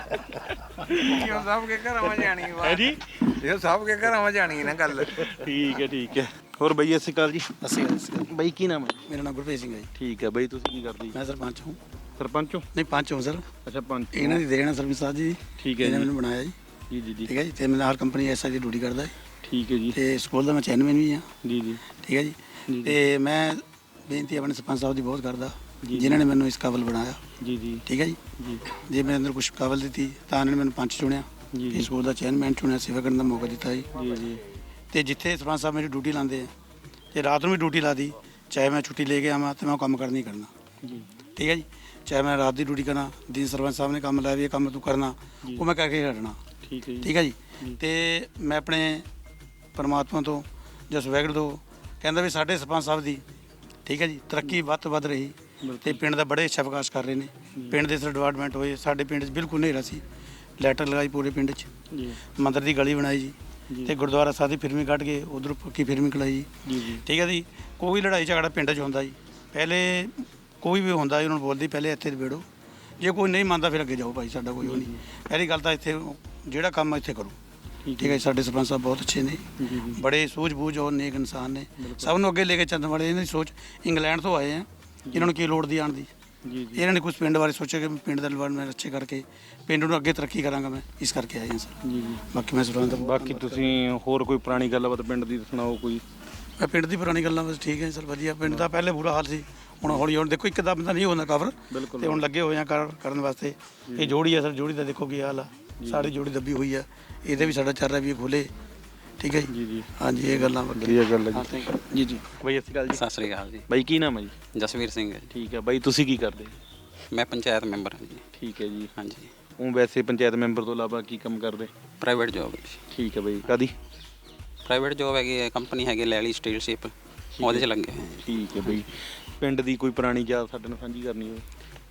B: ਕਿਉਂ ਸਭ ਕੇ ਘਰਾਂ ਵਿੱਚ ਜਾਣੀ
A: ਹੈ ਜੀ।
B: ਇਹ ਸਭ ਕੇ ਘਰਾਂ ਵਿੱਚ ਜਾਣੀ ਨਾ ਗੱਲ।
A: ਠੀਕ ਹੈ ਠੀਕ ਹੈ। ਹੋਰ ਬਈ ਸਤਿ ਸ਼੍ਰੀ ਅਕਾਲ ਜੀ।
G: ਅਸੀਂ
A: ਬਈ ਕੀ ਨਾਮ ਹੈ?
G: ਮੇਰਾ ਨਾਮ ਗੁਰਪ੍ਰੀਤ ਸਿੰਘ ਹੈ ਜੀ।
A: ਠੀਕ ਹੈ ਬਈ ਤੁਸੀਂ ਕੀ ਕਰਦੇ?
G: ਮੈਂ ਸਰਪੰਚ ਹਾਂ।
A: ਸਰਪੰਚ ਹੋ?
G: ਨਹੀਂ ਪੰਚ ਹਾਂ ਸਰ।
A: ਅੱਛਾ ਪੰਚ।
G: ਇਹਨਾਂ ਦੀ ਦੇਣ ਹੈ ਸਰਪੰਚ ਸਾਹਿਬ ਜੀ।
A: ਠੀਕ ਹੈ
G: ਇਹਨੇ
A: ਜੀ
G: ਮੈਨੂੰ ਬਣਾਇਆ ਜੀ।
A: ਜੀ ਜੀ ਜੀ
G: ਠੀਕ ਹੈ ਜੀ। ਤੇ ਮੈਂ ਹਰ ਕੰਪਨੀ ਐਸ ਆਈ ਦੀ ਡਿਊਟੀ ਕਰਦਾ ਜੀ।
A: ਠੀਕ ਹੈ ਜੀ
G: ਤੇ ਸਕੂਲ ਦਾ ਮੈਂ ਚੇਅਰਮੈਨ ਵੀ ਹਾਂ।
A: ਜੀ ਜੀ
G: ਠੀਕ ਹੈ ਜੀ। ਤੇ ਮੈਂ ਬੇਨਤੀ ਆਪਣੇ ਸਰਪੰਚ ਸਾਹਿਬ ਦੀ ਬਹੁਤ ਕਰਦਾ ਜਿਨ੍ਹਾਂ ਨੇ ਮੈਨੂੰ ਇਸ ਕਾਬਲ ਬਣਾਇਆ।
A: ਜੀ ਜੀ
G: ਠੀਕ ਹੈ ਜੀ।
A: ਜੀ
G: ਜੇ ਮੇਰੇ ਅੰਦਰ ਕੁਝ ਕਾਬਲ ਦਿੱਤੀ ਤਾਂ ਇਹਨਾਂ ਨੇ ਮੈਨੂੰ ਪੰਚ ਚੁਣਿਆ
A: ਜੀ
G: ਤੇ ਸਕੂਲ ਦਾ ਚੇਅਰਮੈਨ ਚੁਣਿਆ, ਸੇਵਾ ਕਰਨ ਦਾ ਮੌਕਾ ਦਿੱਤਾ ਜੀ।
A: ਜੀ ਜੀ
G: ਤੇ ਜਿੱਥੇ ਸਰਪੰਚ ਸਾਹਿਬ ਮੇਰੀ ਡਿਊਟੀ ਲਾਉਂਦੇ ਆ ਤੇ ਰਾਤ ਨੂੰ ਵੀ ਡਿਊਟੀ ਲਾ ਦੀ, ਚਾਹੇ ਮੈਂ ਛੁੱਟੀ ਲੈ ਕੇ ਆਵਾਂ ਤੇ ਮੈਂ ਉਹ ਕੰਮ ਕਰਨਾ ਹੀ ਕਰਨਾ।
A: ਜੀ
G: ਠੀਕ ਹੈ ਜੀ। ਚਾਹੇ ਮੈਂ ਰਾਤ ਦੀ ਡਿਊਟੀ ਕਰਾਂ, ਦਿਨ ਸਰਪੰਚ ਸਾਹਿਬ ਨੇ ਕੰਮ ਲਾਇਆ ਵੀ ਇਹ ਕੰਮ ਤੂੰ ਕਰਨਾ, ਉਹ ਮੈਂ ਕਰਕੇ ਹਟਣਾ।
A: ਠੀਕ ਹੈ ਜੀ
G: ਠੀਕ ਹੈ ਜੀ। ਤੇ ਮੈਂ ਆਪਣੇ ਪਰਮਾਤਮਾ ਤੋਂ ਜਸ ਵੈਗੜ ਤੋਂ ਕਹਿੰਦਾ ਵੀ ਸਾਡੇ ਸਰਪੰਚ ਸਾਹਿਬ ਦੀ ਠੀਕ ਹੈ ਜੀ ਤਰੱਕੀ ਵੱਧ ਤੋਂ ਵੱਧ ਰਹੀ ਤੇ ਪਿੰਡ ਦਾ ਬੜੇ ਅੱਛਾ ਵਿਕਾਸ ਕਰ ਰਹੇ ਨੇ। ਪਿੰਡ ਦੇ ਸਰ ਡਿਵੈਲਪਮੈਂਟ ਹੋਏ, ਸਾਡੇ ਪਿੰਡ 'ਚ ਬਿਲਕੁਲ ਹਨੇਰਾ ਸੀ, ਲੈਟਰ ਲਗਾਈ ਪੂਰੇ ਪਿੰਡ 'ਚ,
A: ਜੀ
G: ਮੰਦਰ ਦੀ ਗਲੀ ਬਣਾਈ ਜੀ ਤੇ ਗੁਰਦੁਆਰਾ ਸਾਹਿਬ ਦੀ ਫਿਰਮੀ ਕੱਢ ਕੇ ਉਧਰ ਪੱਕੀ ਫਿਰਮੀ ਕਢਾਈ
A: ਜੀ ਜੀ
G: ਠੀਕ ਹੈ ਜੀ। ਕੋਈ ਲੜਾਈ ਝਗੜਾ ਪਿੰਡ 'ਚ ਹੁੰਦਾ ਜੀ, ਪਹਿਲੇ ਕੋਈ ਵੀ ਹੁੰਦਾ ਜੀ ਉਹਨਾਂ ਨੂੰ ਬੋਲਦੀ ਪਹਿਲੇ ਇੱਥੇ ਬੈਠੋ, ਜੇ ਕੋਈ ਨਹੀਂ ਮੰਨਦਾ ਫਿਰ ਅੱਗੇ ਜਾਓ ਭਾਈ, ਸਾਡਾ ਕੋਈ ਉਹ ਨਹੀਂ। ਪਹਿਲੀ ਗੱਲ ਤਾਂ ਇੱਥੇ ਜਿਹੜਾ ਕੰਮ ਇੱਥੇ ਕਰੋ। ਠੀਕ ਹੈ। ਸਾਡੇ ਸਰਪੰਚ ਸਾਹਿਬ ਬਹੁਤ ਅੱਛੇ ਨੇ, ਬੜੇ ਸੂਝ-ਬੂਝ ਔਰ ਨੇਕ ਇਨਸਾਨ ਨੇ, ਸਭ ਨੂੰ ਅੱਗੇ ਲੈ ਕੇ ਚੱਲਣ ਵਾਲੇ। ਇਹਨਾਂ ਦੀ ਸੋਚ ਇੰਗਲੈਂਡ ਤੋਂ ਆਏ ਆ, ਇਹਨਾਂ ਨੂੰ ਕੀ ਲੋੜ ਦੀ ਆਉਣ ਦੀ।
A: ਜੀ
G: ਇਹਨਾਂ ਨੇ ਕੁਝ ਪਿੰਡ ਬਾਰੇ ਸੋਚਿਆ ਕਿ ਪਿੰਡ ਦਾ ਡਿਵੈਲਪਮੈਂਟ ਅੱਛੇ ਕਰਕੇ ਪਿੰਡ ਨੂੰ ਅੱਗੇ ਤਰੱਕੀ ਕਰਾਂਗਾ ਮੈਂ, ਇਸ ਕਰਕੇ ਆਏ ਹਾਂ ਸਰ।
A: ਜੀ ਜੀ
G: ਬਾਕੀ ਮੈਂ ਸਰਪੰਚ ਦਾ ਬਹੁਤ
A: ਬਾਕੀ ਤੁਸੀਂ ਹੋਰ ਕੋਈ ਪੁਰਾਣੀ ਗੱਲਬਾਤ ਪਿੰਡ ਦੀ ਸੁਣਾਓ ਕੋਈ।
G: ਮੈਂ ਪਿੰਡ ਦੀ ਪੁਰਾਣੀ ਗੱਲਾਂ ਬਸ ਠੀਕ ਹੈ ਸਰ, ਵਧੀਆ। ਪਿੰਡ ਦਾ ਪਹਿਲੇ ਬੁਰਾ ਹਾਲ ਸੀ, ਹੁਣ ਹੌਲੀ ਹੌਲੀ ਦੇਖੋ ਇੱਕਦਮ ਤਾਂ ਨਹੀਂ ਹੁੰਦਾ ਕਵਰ, ਤੇ ਹੁਣ ਲੱਗੇ ਹੋਏ ਆ ਕਰ- ਕਰਨ ਵਾਸਤੇ। ਇਹ ਜੋੜੀ ਆ ਸਰ, ਜੋੜੀ ਦਾ ਦੇਖੋ ਕੀ ਹਾਲ ਆ, ਸਾਡੀ ਜੋੜੀ ਦੱਬੀ ਹੋਈ ਆ, ਇਹਦੇ ਵੀ ਸਾਡਾ ਚੱਲ ਰਿਹਾ ਵੀ ਇਹ ਖੋਲੇ। ਠੀਕ ਹੈ
A: ਜੀ
G: ਜੀ।
A: ਜੀ
G: ਹਾਂਜੀ ਇਹ ਗੱਲਾਂ
A: ਵਧੀਆ ਗੱਲ ਹੈ ਜੀ।
G: ਜੀ ਜੀ।
A: ਬਾਈ ਸਤਿ ਸ਼੍ਰੀ ਅਕਾਲ ਜੀ।
H: ਸਤਿ ਸ੍ਰੀ ਅਕਾਲ ਜੀ।
A: ਬਾਈ ਕੀ ਨਾਮ ਹੈ ਜੀ?
H: ਜਸਵੀਰ ਸਿੰਘ ਹੈ ਜੀ।
A: ਠੀਕ ਹੈ ਬਾਈ ਤੁਸੀਂ ਕੀ ਕਰਦੇ?
H: ਮੈਂ ਪੰਚਾਇਤ ਮੈਂਬਰ ਹਾਂ ਜੀ।
A: ਠੀਕ ਹੈ ਜੀ।
H: ਹਾਂਜੀ।
A: ਉਹ ਵੈਸੇ ਪੰਚਾਇਤ ਮੈਂਬਰ ਤੋਂ ਇਲਾਵਾ ਕੀ ਕੰਮ ਕਰਦੇ?
H: ਪ੍ਰਾਈਵੇਟ ਜੋਬ ਹੈ ਜੀ।
A: ਠੀਕ ਹੈ ਬਾਈ ਕਾਦੀ?
H: ਪ੍ਰਾਈਵੇਟ ਜੋਬ ਹੈਗੀ ਹੈ, ਕੰਪਨੀ ਹੈਗੀ ਲੈਲੀ ਸਟੀਲ ਸ਼ਿਪ, ਉਹਦੇ 'ਚ ਲੱਗੇ ਹੋਏ ਹਾਂ ਜੀ।
A: ਠੀਕ ਹੈ ਬਾਈ ਪਿੰਡ ਦੀ ਕੋਈ ਪੁਰਾਣੀ ਯਾਦ ਸਾਡੇ ਨਾਲ ਸਾਂਝੀ ਕਰਨੀ ਹੋਵੇ?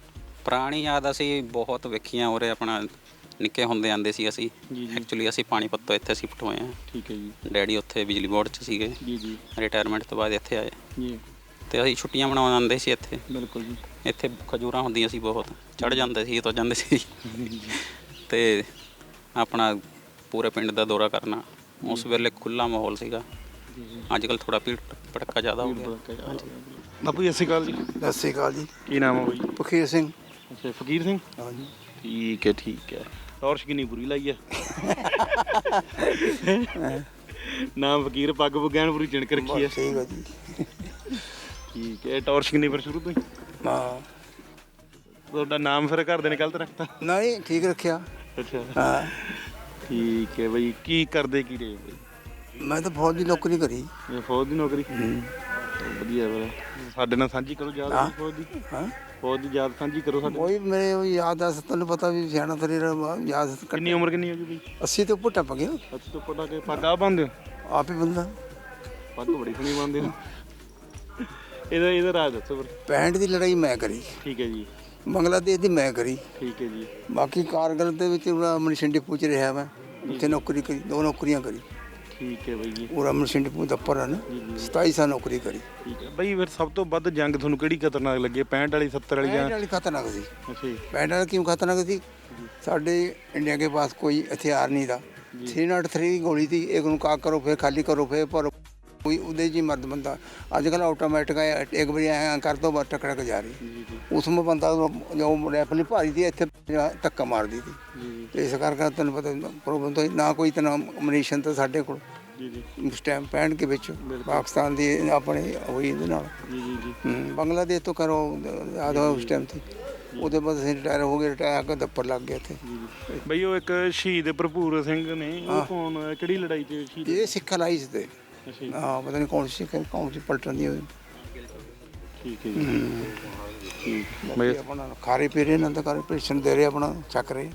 H: ਪੁਰਾਣੀ ਯਾਦ ਅਸੀਂ ਬਹੁਤ ਵੇਖੀਆਂ ਉਰੇ, ਆਪਣਾ ਨਿੱਕੇ ਹੁੰਦੇ ਆਂਦੇ ਸੀ ਅਸੀਂ।
A: ਜੀ ਜੀ।
H: ਐਕਚੁਅਲੀ ਅਸੀਂ ਪਾਣੀਪਤ ਤੋਂ ਇੱਥੇ ਸ਼ਿਫਟ ਹੋਏ ਹਾਂ।
A: ਠੀਕ ਹੈ ਜੀ।
H: ਡੈਡੀ ਉੱਥੇ ਬਿਜਲੀ ਬੋਰਡ 'ਚ ਸੀਗੇ,
A: ਜੀ ਜੀ
H: ਰਿਟਾਇਰਮੈਂਟ ਤੋਂ ਬਾਅਦ ਇੱਥੇ ਆਏ
A: ਜੀ
H: ਤੇ ਅਸੀਂ ਛੁੱਟੀਆਂ ਮਨਾਉਣ ਆਉਂਦੇ ਸੀ ਇੱਥੇ।
A: ਬਿਲਕੁਲ ਜੀ।
H: ਇੱਥੇ ਖਜੂਰਾਂ ਹੁੰਦੀਆਂ ਸੀ ਬਹੁਤ, ਚੜ੍ਹ ਜਾਂਦੇ ਸੀ ਤੋਂ ਜਾਂਦੇ ਸੀ ਤੇ ਆਪਣਾ ਪੂਰੇ ਪਿੰਡ ਦਾ ਦੌਰਾ ਕਰਨਾ। ਉਸ ਵੇਲੇ ਖੁੱਲ੍ਹਾ ਮਾਹੌਲ ਸੀਗਾ, ਅੱਜ ਕੱਲ੍ਹ ਥੋੜਾ ਭੀੜ ਭੜੱਕਾ ਜ਼ਿਆਦਾ ਹੋ ਗਿਆ।
A: ਬਾਪੂ ਸਤਿ ਸ਼੍ਰੀ ਅਕਾਲ ਜੀ।
G: ਸਤਿ ਸ਼੍ਰੀ ਅਕਾਲ ਜੀ।
A: ਕੀ ਨਾਮ ਹੈ ਬਾਈ?
G: ਪਖੀਰ ਸਿੰਘ।
A: ਅੱਛਾ ਫਕੀਰ ਸਿੰਘ।
G: ਹਾਂਜੀ।
A: ਠੀਕ ਹੈ ਠੀਕ ਹੈ। ਟੌਰਚ ਕਿੰਨੀ ਬੁਰੀ ਲਾਈ ਹੈ। ਨਾਮ ਫਕੀਰ, ਪੱਗ ਪੁੱਗੈਣ ਪੂਰੀ ਚਿਣਕ ਰੱਖੀ ਹੈ।
G: ਠੀਕ ਹੈ ਜੀ।
A: ਠੀਕ ਹੈ। ਟੌਰਚ ਕਿੰਨੀ ਫਿਰ ਸ਼ੁਰੂ ਤੋਂ ਹੀ?
G: ਹਾਂ
A: ਤੁਹਾਡਾ ਨਾਮ ਫਿਰ ਘਰ ਦੇ ਨੇ ਗਲਤ ਰੱਖਤਾ?
G: ਨਹੀਂ ਠੀਕ ਰੱਖਿਆ।
A: ਅੱਛਾ
G: ਹਾਂ
A: ਠੀਕ ਹੈ ਬਈ। ਕੀ ਕਰਦੇ ਕੀ ਰਹੇ ਬਈ?
G: ਮੈਂ ਤਾਂ ਫੌਜ ਦੀ ਨੌਕਰੀ ਕਰੀ।
A: ਇਹ ਫੌਜ ਦੀ ਨੌਕਰੀ? ਵਧੀਆ ਫਿਰ ਸਾਡੇ ਨਾਲ ਸਾਂਝੀ ਕਰੋ ਯਾਦ ਫੌਜ ਦੀ।
G: ਹਾਂ
A: ਫੌਜ ਦੀ ਯਾਦ ਸਾਂਝੀ ਕਰੋ ਸਾਡੇ।
G: ਕੋਈ ਮੇਰੇ ਉਹ ਯਾਦ ਆ, ਤੁਹਾਨੂੰ ਪਤਾ ਵੀ ਸਿਆਣਾ ਤੇਰੇ ਯਾਦ
A: ਕਿੰਨੀ ਉਮਰ ਕਿੰਨੀ ਹੋ ਗਈ ਬਈ?
G: ਅੱਸੀ ਤੋਂ ਉੱਪਰ ਟੱਪ ਗਿਆ।
A: ਅੱਛਾ ਤੋਂ ਪਟਾ ਕੇ ਪੱਗ ਆ ਬੰਨਦੇ ਹੋ?
G: ਆਪ ਹੀ ਬੰਦਾ।
A: ਪੱਗ ਬੜੀ ਸੋਹਣੀ ਬੰਨਦੇ ਹੋ। ਇਹਦਾ ਇਹਦਾ ਰਾਜ ਦੱਸੋ ਫਿਰ।
G: ਪੈਂਹਠ ਦੀ ਲੜਾਈ ਮੈਂ ਕਰੀ,
A: ਠੀਕ ਹੈ ਜੀ।
G: ਬੰਗਲਾਦੇਸ਼ ਦੀ ਮੈਂ ਕਰੀ।
A: ਠੀਕ ਹੈ ਜੀ।
G: ਬਾਕੀ ਕਾਰਗਲ ਦੇ ਵਿੱਚ ਮਨਿਸ਼ਨ ਡਿਪੂ 'ਚ ਰਿਹਾ ਮੈਂ, ਉੱਥੇ ਨੌਕਰੀ ਕਰੀ, ਦੋ ਨੌਕਰੀਆਂ ਕਰੀ।
A: ਠੀਕ ਹੈ ਬਾਈ ਜੀ।
G: ਪੂਰਾ ਮਨਿਸ਼ਨ ਡਿਪੂ ਦਫ਼ਤਰ ਹੈ ਨਾ, ਸਤਾਈ ਸਾਲ ਨੌਕਰੀ ਕਰੀ।
A: ਠੀਕ ਹੈ ਬਾਈ। ਫਿਰ ਸਭ ਤੋਂ ਵੱਧ ਜੰਗ ਤੁਹਾਨੂੰ ਕਿਹੜੀ ਖਤਰਨਾਕ ਲੱਗੀ? ਪੈਂਹਠ ਵਾਲੀ, ਸੱਤਰ ਵਾਲੀ ਜਾਂ?
G: ਪੈਂਹਠ ਵਾਲੀ ਖਤਰਨਾਕ ਸੀ।
A: ਅੱਛਾ ਜੀ।
G: ਪੈਂਹਠ ਵਾਲੀ ਕਿਉਂ खतरनाक थी? साढ़े इंडिया के पास कोई हथियार नहीं था। थ्री नॉट थ्री की गोली थी, एक उनको आग करो फिर खाली करो फिर भरो।
I: ਕੋਈ ਉਹਦੇ 'ਚ ਹੀ ਮਰਦ ਬੰਦਾ ਅੱਜ ਕੱਲ੍ਹ ਆਟੋਮੈਟਿਕ ਹੈ, ਇੱਕ ਵਾਰੀ ਐਂ ਕਰ ਦੋ ਬਸ ਟਕ ਟਕ ਜਾ ਰਹੀ। ਉਸ ਵਿੱਚ ਬੰਦਾ ਜੋ ਰੈਫਲੀ ਭਾਰੀ ਦੀ ਇੱਥੇ ਧੱਕਾ ਮਾਰਦੀ ਸੀ ਤੇ ਇਸ ਕਰਕੇ ਤੈਨੂੰ ਪਤਾ ਪ੍ਰੋਬਲਮ ਤਾਂ ਨਾ ਕੋਈ ਤਾਂ ਮਨੀਸ਼ਨ ਤਾਂ ਸਾਡੇ ਕੋਲ ਉਸ ਟਾਈਮ ਪੈਣ ਕੇ ਵਿੱਚ ਪਾਕਿਸਤਾਨ ਦੀ ਆਪਣੇ ਹੋਈ ਇਹਦੇ ਨਾਲ ਹੂੰ, ਬੰਗਲਾਦੇਸ਼ ਤੋਂ ਕਰੋ ਯਾਦ ਹੋਇਆ ਉਸ ਟਾਈਮ ਤੇ ਉਹਦੇ ਬਾਅਦ ਅਸੀਂ ਰਿਟਾਇਰ ਹੋ ਗਏ, ਰਿਟਾਇਰ ਕੇ ਦੱਪਰ ਲੱਗ ਗਏ ਇੱਥੇ।
A: ਬਈ ਉਹ ਇੱਕ ਸ਼ਹੀਦ ਭਰਪੂਰ ਸਿੰਘ ਨੇ, ਉਹ ਕੌਣ ਕਿਹੜੀ ਲੜਾਈ 'ਚ ਸ਼ਹੀਦ?
I: ਇਹ ਸਿੱਖ ਲਾਈ ਸੀ ਤੇ ਹਾਂ ਪਤਾ ਨਹੀਂ ਕੌਣ ਸੀ ਕੌਣ ਸੀ ਪਲਟਣ ਦੀ ਉਹਦੀ।
A: ਠੀਕ ਹੈ ਜੀ, ਠੀਕ। ਬਈ
I: ਆਪਣਾ ਖਾਰੇ ਪੀ ਰਹੇ ਇਹਨਾਂ ਦਾ ਕਰ ਪੈਨਸ਼ਨ ਦੇ ਰਹੇ ਆਪਣਾ ਚੱਕ ਰਹੇ।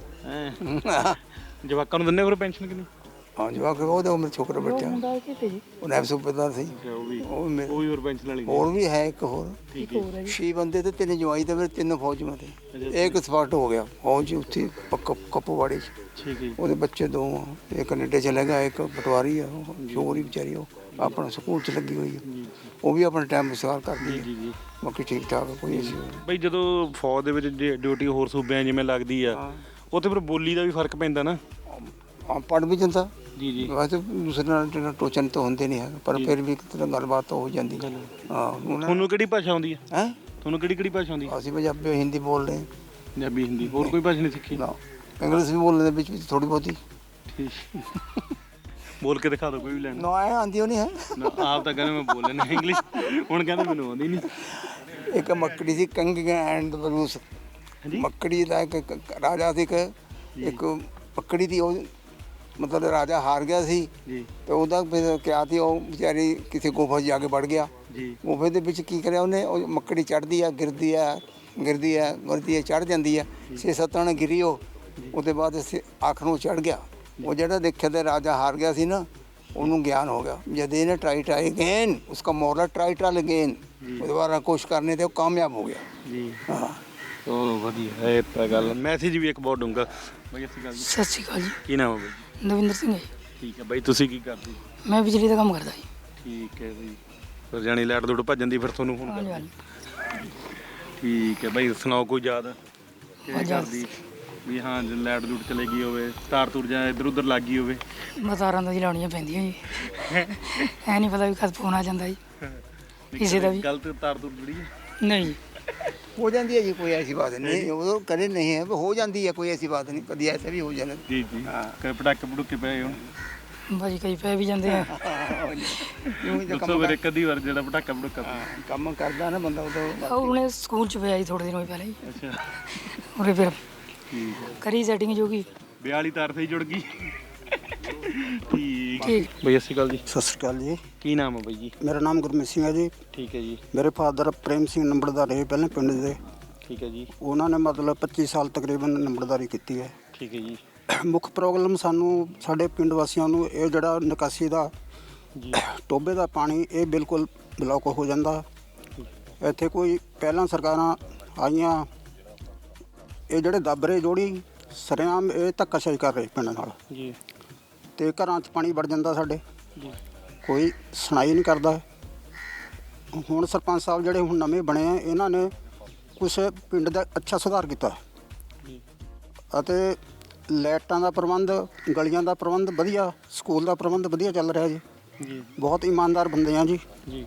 A: ਜਵਾਕਾਂ ਨੂੰ ਦਿੰਦੇ ਫਿਰ ਪੈਨਸ਼ਨ ਕਿੰਨੀ?
I: ਹਾਂ ਜਵਾਕ ਉਹਦੇ ਉਹ ਮੇਰੇ ਛੋਕਰਾ ਬੈਠਿਆ ਉਹ ਨਾਇਬ ਸੂਬੇਦਾਰ ਸੀ।
A: ਉਹ ਵੀ
I: ਉਹ ਮੇ-
A: ਉਹ ਵੀ ਹੋਰ ਪੈਨਸ਼ਨ ਵਾਲੀ?
I: ਹੋਰ ਵੀ ਹੈ ਇੱਕ ਹੋਰ
A: ਠੀਕ ਹੈ।
I: ਛੇ ਬੰਦੇ ਤੇ ਤਿੰਨ ਜਵਾਈ ਤੇ ਫਿਰ ਤਿੰਨ ਫੌਜਾਂ ਤੇ ਇੱਕ ਸਪਾਟ ਹੋ ਗਿਆ ਫੌਜ ਉੱਥੇ ਕੱਪੂਵਾੜੀ 'ਚ।
A: ਠੀਕ ਹੈ।
I: ਉਹਦੇ ਬੱਚੇ ਦੋ ਆ, ਇੱਕ ਕੈਨੇਡਾ ਚਲਾ ਗਿਆ, ਇੱਕ ਪਟਵਾਰੀ ਆ, ਉਹ ਛੋਕਰੀ ਵਿਚਾਰੀ ਉਹ ਆਪਣਾ ਸਕੂਲ 'ਚ ਲੱਗੀ ਹੋਈ ਹੈ, ਉਹ ਵੀ ਆਪਣਾ ਟਾਈਮ ਵਿਸਾਰ ਕਰਦੀ ਹੈ। ਬਾਕੀ ਠੀਕ ਠਾਕ ਕੋਈ ਇਸ਼ੂ ਨਹੀਂ।
A: ਬਈ ਜਦੋਂ ਫੌਜ ਦੇ ਵਿੱਚ ਡਿਊਟੀ ਹੋਰ ਸੂਬਿਆਂ ਜਿਵੇਂ ਲੱਗਦੀ ਆ, ਉੱਥੇ ਫਿਰ ਬੋਲੀ ਦਾ ਵੀ ਫਰਕ ਪੈਂਦਾ ਨਾ?
I: ਹਾਂ ਪੜ੍ਹ ਵੀ ਜਾਂਦਾ
A: ਜੀ ਜੀ।
I: ਵੈਸੇ ਦੂਸਰੇ ਨਾਲ ਜਿਹੜਾ ਟੋਚਨ ਤਾਂ ਹੁੰਦੇ ਨਹੀਂ ਹੈ, ਪਰ ਫਿਰ ਵੀ ਇੱਕ ਤਰ੍ਹਾਂ ਗੱਲਬਾਤ ਤਾਂ ਹੋ ਜਾਂਦੀ ਹੈ। ਹਾਂ ਉਹਨਾਂ-
A: ਤੁਹਾਨੂੰ ਕਿਹੜੀ ਭਾਸ਼ਾ ਆਉਂਦੀ ਹੈ?
I: ਹੈਂ
A: ਤੁਹਾਨੂੰ ਕਿਹੜੀ ਕਿਹੜੀ ਭਾਸ਼ਾ ਆਉਂਦੀ ਹੈ?
I: ਅਸੀਂ ਪੰਜਾਬੀ ਹਿੰਦੀ ਬੋਲਦੇ ਹਾਂ।
A: ਪੰਜਾਬੀ, ਹਿੰਦੀ, ਹੋਰ ਕੋਈ ਭਾਸ਼ਾ ਨਹੀਂ ਸਿੱਖੀ?
I: ਨਾ ਇੰਗਲਿਸ਼ ਵੀ ਬੋਲਦੇ ਵਿੱਚ ਵਿੱਚ ਥੋੜੀ ਬਹੁਤੀ।
A: ਠੀਕ। ਬੋਲ ਕੇ ਦਿਖਾ ਦਿਓ ਕੋਈ ਵੀ ਲੈਣ।
I: ਨਾ ਐ ਆਉਂਦੀ ਉਹ ਨਹੀਂ ਹੈ।
A: ਨਾ ਆਪ ਤਾਂ ਕਹਿੰਦੇ ਮੈਂ ਬੋਲ ਲੈਣਾ ਇੰਗਲਿਸ਼, ਹੁਣ ਕਹਿੰਦੇ ਮੈਨੂੰ ਆਉਂਦੀ ਨਹੀਂ।
I: ਇੱਕ ਮੱਕੜੀ ਸੀ ਕੰਗ ਐਂਡ ਬਰੂਸ। ਮੱਕੜੀ ਦਾ ਇੱਕ ਇੱਕ ਰਾਜਾ ਸੀ, ਇੱਕ ਇੱਕ ਮੱਕੜੀ ਦੀ ਉਹ ਮਤਲਬ ਰਾਜਾ ਹਾਰ ਗਿਆ ਸੀ
A: ਜੀ
I: ਤੇ ਉਹਦਾ ਫਿਰ ਕਿਹਾ ਸੀ ਉਹ ਵਿਚਾਰੀ ਕਿਸੇ ਗੁਫਾ 'ਚ ਜਾ ਕੇ ਵੜ ਗਿਆ।
A: ਜੀ।
I: ਗੁਫੇ ਦੇ ਵਿੱਚ ਕੀ ਕਰਿਆ ਉਹਨੇ, ਉਹ ਮੱਕੜੀ ਚੜ੍ਹਦੀ ਆ ਗਿਰਦੀ ਆ ਗਿਰਦੀ ਆ ਗਿਰਦੀ ਆ ਚੜ੍ਹ ਜਾਂਦੀ ਆ, ਛੇ ਸੱਤ ਨਾਲ ਗਿਰੀ ਉਹ। ਉਹਦੇ ਬਾਅਦ ਅਸੀਂ ਆਖਰ ਨੂੰ ਚੜ੍ਹ ਗਿਆ। ਉਹ ਜਿਹੜਾ ਦੇਖਿਆ ਤੇ ਰਾਜਾ ਹਾਰ ਗਿਆ ਸੀ ਨਾ, ਉਹਨੂੰ ਗਿਆਨ ਹੋ ਗਿਆ ਜਦ ਇਹਨੇ ਟਰਾਈ ਟਰਾਈ ਅਗੇਨ ਉਸਕਾ ਮੋਰਲਾ ਟਰਾਈ ਟਰਾਈ ਅਗੇਨ ਦੁਬਾਰਾ ਕੋਸ਼ਿਸ਼ ਕਰਨੇ ਤੇ ਉਹ ਕਾਮਯਾਬ ਹੋ ਗਿਆ।
A: ਜੀ।
I: ਹਾਂ
A: ਚਲੋ ਵਧੀਆ, ਇਹ ਤਾਂ ਗੱਲ ਮੈਸੇਜ ਵੀ ਇੱਕ ਬਹੁਤ ਡੂੰਘਾ। ਬਈ ਅਸੀਂ ਗੱਲ
C: ਸਤਿ ਸ਼੍ਰੀ ਅਕਾਲ ਜੀ,
A: ਕੀ ਨਾਮ ਹੈ ਬਈ?
C: ਨਵਿੰਦਰ ਸਿੰਘ ਹੈ ਜੀ।
A: ਠੀਕ ਹੈ ਬਾਈ, ਤੁਸੀਂ ਕੀ ਕਰਦੇ?
C: ਮੈਂ ਬਿਜਲੀ ਦਾ ਕੰਮ ਕਰਦਾ ਜੀ।
A: ਠੀਕ ਹੈ ਜੀ। ਫਿਰ ਜਾਣੀ ਲਾਈਟ ਦੂੜ ਭੱਜਣ ਦੀ ਫਿਰ ਤੁਹਾਨੂੰ ਫੋਨ
C: ਹਾਂਜੀ
A: ਕਰਦਾ।
C: ਹਾਂਜੀ।
A: ਠੀਕ ਹੈ ਬਾਈ, ਸੁਣਾਓ ਕੋਈ ਯਾਦ ਕਿਹੜੀ
C: ਯਾਦ-
A: ਕਰਦੀ ਵੀ ਹਾਂ ਜੇ ਲਾਈਟ ਦੂੜ ਚਲੇ ਗਈ ਹੋਵੇ, ਤਾਰ ਤੂਰ ਜਾਂ ਇੱਧਰ ਉੱਧਰ ਲੱਗ ਗਈ ਹੋਵੇ?
C: ਮਤਾਰਾਂ ਤਾਂ ਜੀ ਲਾਉਣੀਆਂ ਪੈਂਦੀਆਂ ਜੀ, ਐ ਨਹੀਂ ਪਤਾ ਵੀ ਕਦ ਫੋਨ ਆ ਜਾਂਦਾ ਜੀ ਕਿਸੇ ਦਾ ਵੀ।
A: ਗਲਤ ਤਾਰ ਤੂਰ ਜੁੜੀ ਹੈ?
C: ਨਹੀਂ
I: ਹੋ ਜਾਂਦੀ ਹੈ ਜੀ, ਕੋਈ ਐਸੀ ਬਾਤ ਨਹੀਂ, ਉਹ ਕਦੇ ਨਹੀਂ ਹੈ, ਹੋ ਜਾਂਦੀ ਹੈ, ਕੋਈ ਐਸੀ ਬਾਤ ਨਹੀਂ, ਕਦੀ ਐਸਾ ਵੀ ਹੋ ਜਾਂਦਾ।
A: ਜੀ ਜੀ। ਕਦੇ ਪਟਾਕੇ ਪਟੂਕੇ ਪਏ ਹੁਣ?
C: ਬਾਜੀ ਕਈ ਪੈ ਵੀ ਜਾਂਦੇ ਆ।
A: ਦੱਸੋ ਫਿਰ ਇੱਕ ਅੱਧੀ ਵਾਰ ਜਿਹੜਾ ਪਟਾਕਾ ਪਟੂਕਾ ਪਿਆ।
I: ਕੰਮ ਕਰਦਾ ਨਾ ਬੰਦਾ ਉਦੋਂ।
C: ਉਹ ਹੁਣੇ ਸਕੂਲ ਚ ਪਿਆ ਜੀ ਥੋੜੇ ਦਿਨ ਹੋਏ ਪਹਿਲਾਂ ਜੀ,
A: ਅੱਛਾ
C: ਉਹਦੇ ਫਿਰ
A: ਠੀਕ ਹੈ।
C: ਕਰੀ ਸੈਟਿੰਗ ਜੋ ਕਿ
A: ਵਿਆਹ ਵਾਲੀ ਤਾਰ ਤੇ ਹੀ ਜੁੜ ਗਈ। ਠੀਕ
C: ਠੀਕ।
A: ਬਈ ਸਤਿ ਸ਼੍ਰੀ ਅਕਾਲ ਜੀ।
J: ਸਤਿ ਸ਼੍ਰੀ ਅਕਾਲ ਜੀ,
A: ਕੀ ਨਾਮ ਹੈ ਬਾਈ ਜੀ?
J: ਮੇਰਾ ਨਾਮ ਗੁਰਮੀਤ ਸਿੰਘ ਹੈ ਜੀ।
A: ਠੀਕ ਹੈ ਜੀ।
J: ਮੇਰੇ ਫਾਦਰ ਪ੍ਰੇਮ ਸਿੰਘ ਨੰਬਰਦਾਰ ਰਹੇ ਪਹਿਲਾਂ ਪਿੰਡ ਦੇ।
A: ਠੀਕ ਹੈ ਜੀ।
J: ਉਹਨਾਂ ਨੇ ਮਤਲਬ ਪੱਚੀ ਸਾਲ ਤਕਰੀਬਨ ਨੰਬਰਦਾਰੀ ਕੀਤੀ ਹੈ।
A: ਠੀਕ ਹੈ ਜੀ।
J: ਮੁੱਖ ਪ੍ਰੋਬਲਮ ਸਾਨੂੰ ਸਾਡੇ ਪਿੰਡ ਵਾਸੀਆਂ ਨੂੰ ਇਹ ਜਿਹੜਾ ਨਿਕਾਸੀ ਦਾ
A: ਜੀ
J: ਟੋਬੇ ਦਾ ਪਾਣੀ ਇਹ ਬਿਲਕੁਲ ਬਲੌਕ ਹੋ ਜਾਂਦਾ। ਇੱਥੇ ਕੋਈ ਪਹਿਲਾਂ ਸਰਕਾਰਾਂ ਆਈਆਂ, ਇਹ ਜਿਹੜੇ ਦਾਬਰੇ ਜੋੜੀ ਸਰੇਆਮ ਇਹ ਧੱਕਾਸ਼ਾਹੀ ਕਰ ਰਹੇ ਪਿੰਡ ਨਾਲ
A: ਜੀ।
J: ਤੇ ਘਰਾਂ 'ਚ ਪਾਣੀ ਵੜ ਜਾਂਦਾ ਸਾਡੇ,
A: ਜੀ।
J: ਕੋਈ ਸੁਣਾਈ ਨਹੀਂ ਕਰਦਾ। ਹੁਣ ਸਰਪੰਚ ਸਾਹਿਬ ਜਿਹੜੇ ਹੁਣ ਨਵੇਂ ਬਣੇ ਆ, ਇਹਨਾਂ ਨੇ ਕੁਛ ਪਿੰਡ ਦਾ ਅੱਛਾ ਸੁਧਾਰ ਕੀਤਾ
A: ਜੀ।
J: ਅਤੇ ਲਾਈਟਾਂ ਦਾ ਪ੍ਰਬੰਧ, ਗਲੀਆਂ ਦਾ ਪ੍ਰਬੰਧ ਵਧੀਆ, ਸਕੂਲ ਦਾ ਪ੍ਰਬੰਧ ਵਧੀਆ ਚੱਲ ਰਿਹਾ ਜੀ।
A: ਜੀ
J: ਬਹੁਤ ਇਮਾਨਦਾਰ ਬੰਦੇ ਆ ਜੀ,
A: ਜੀ।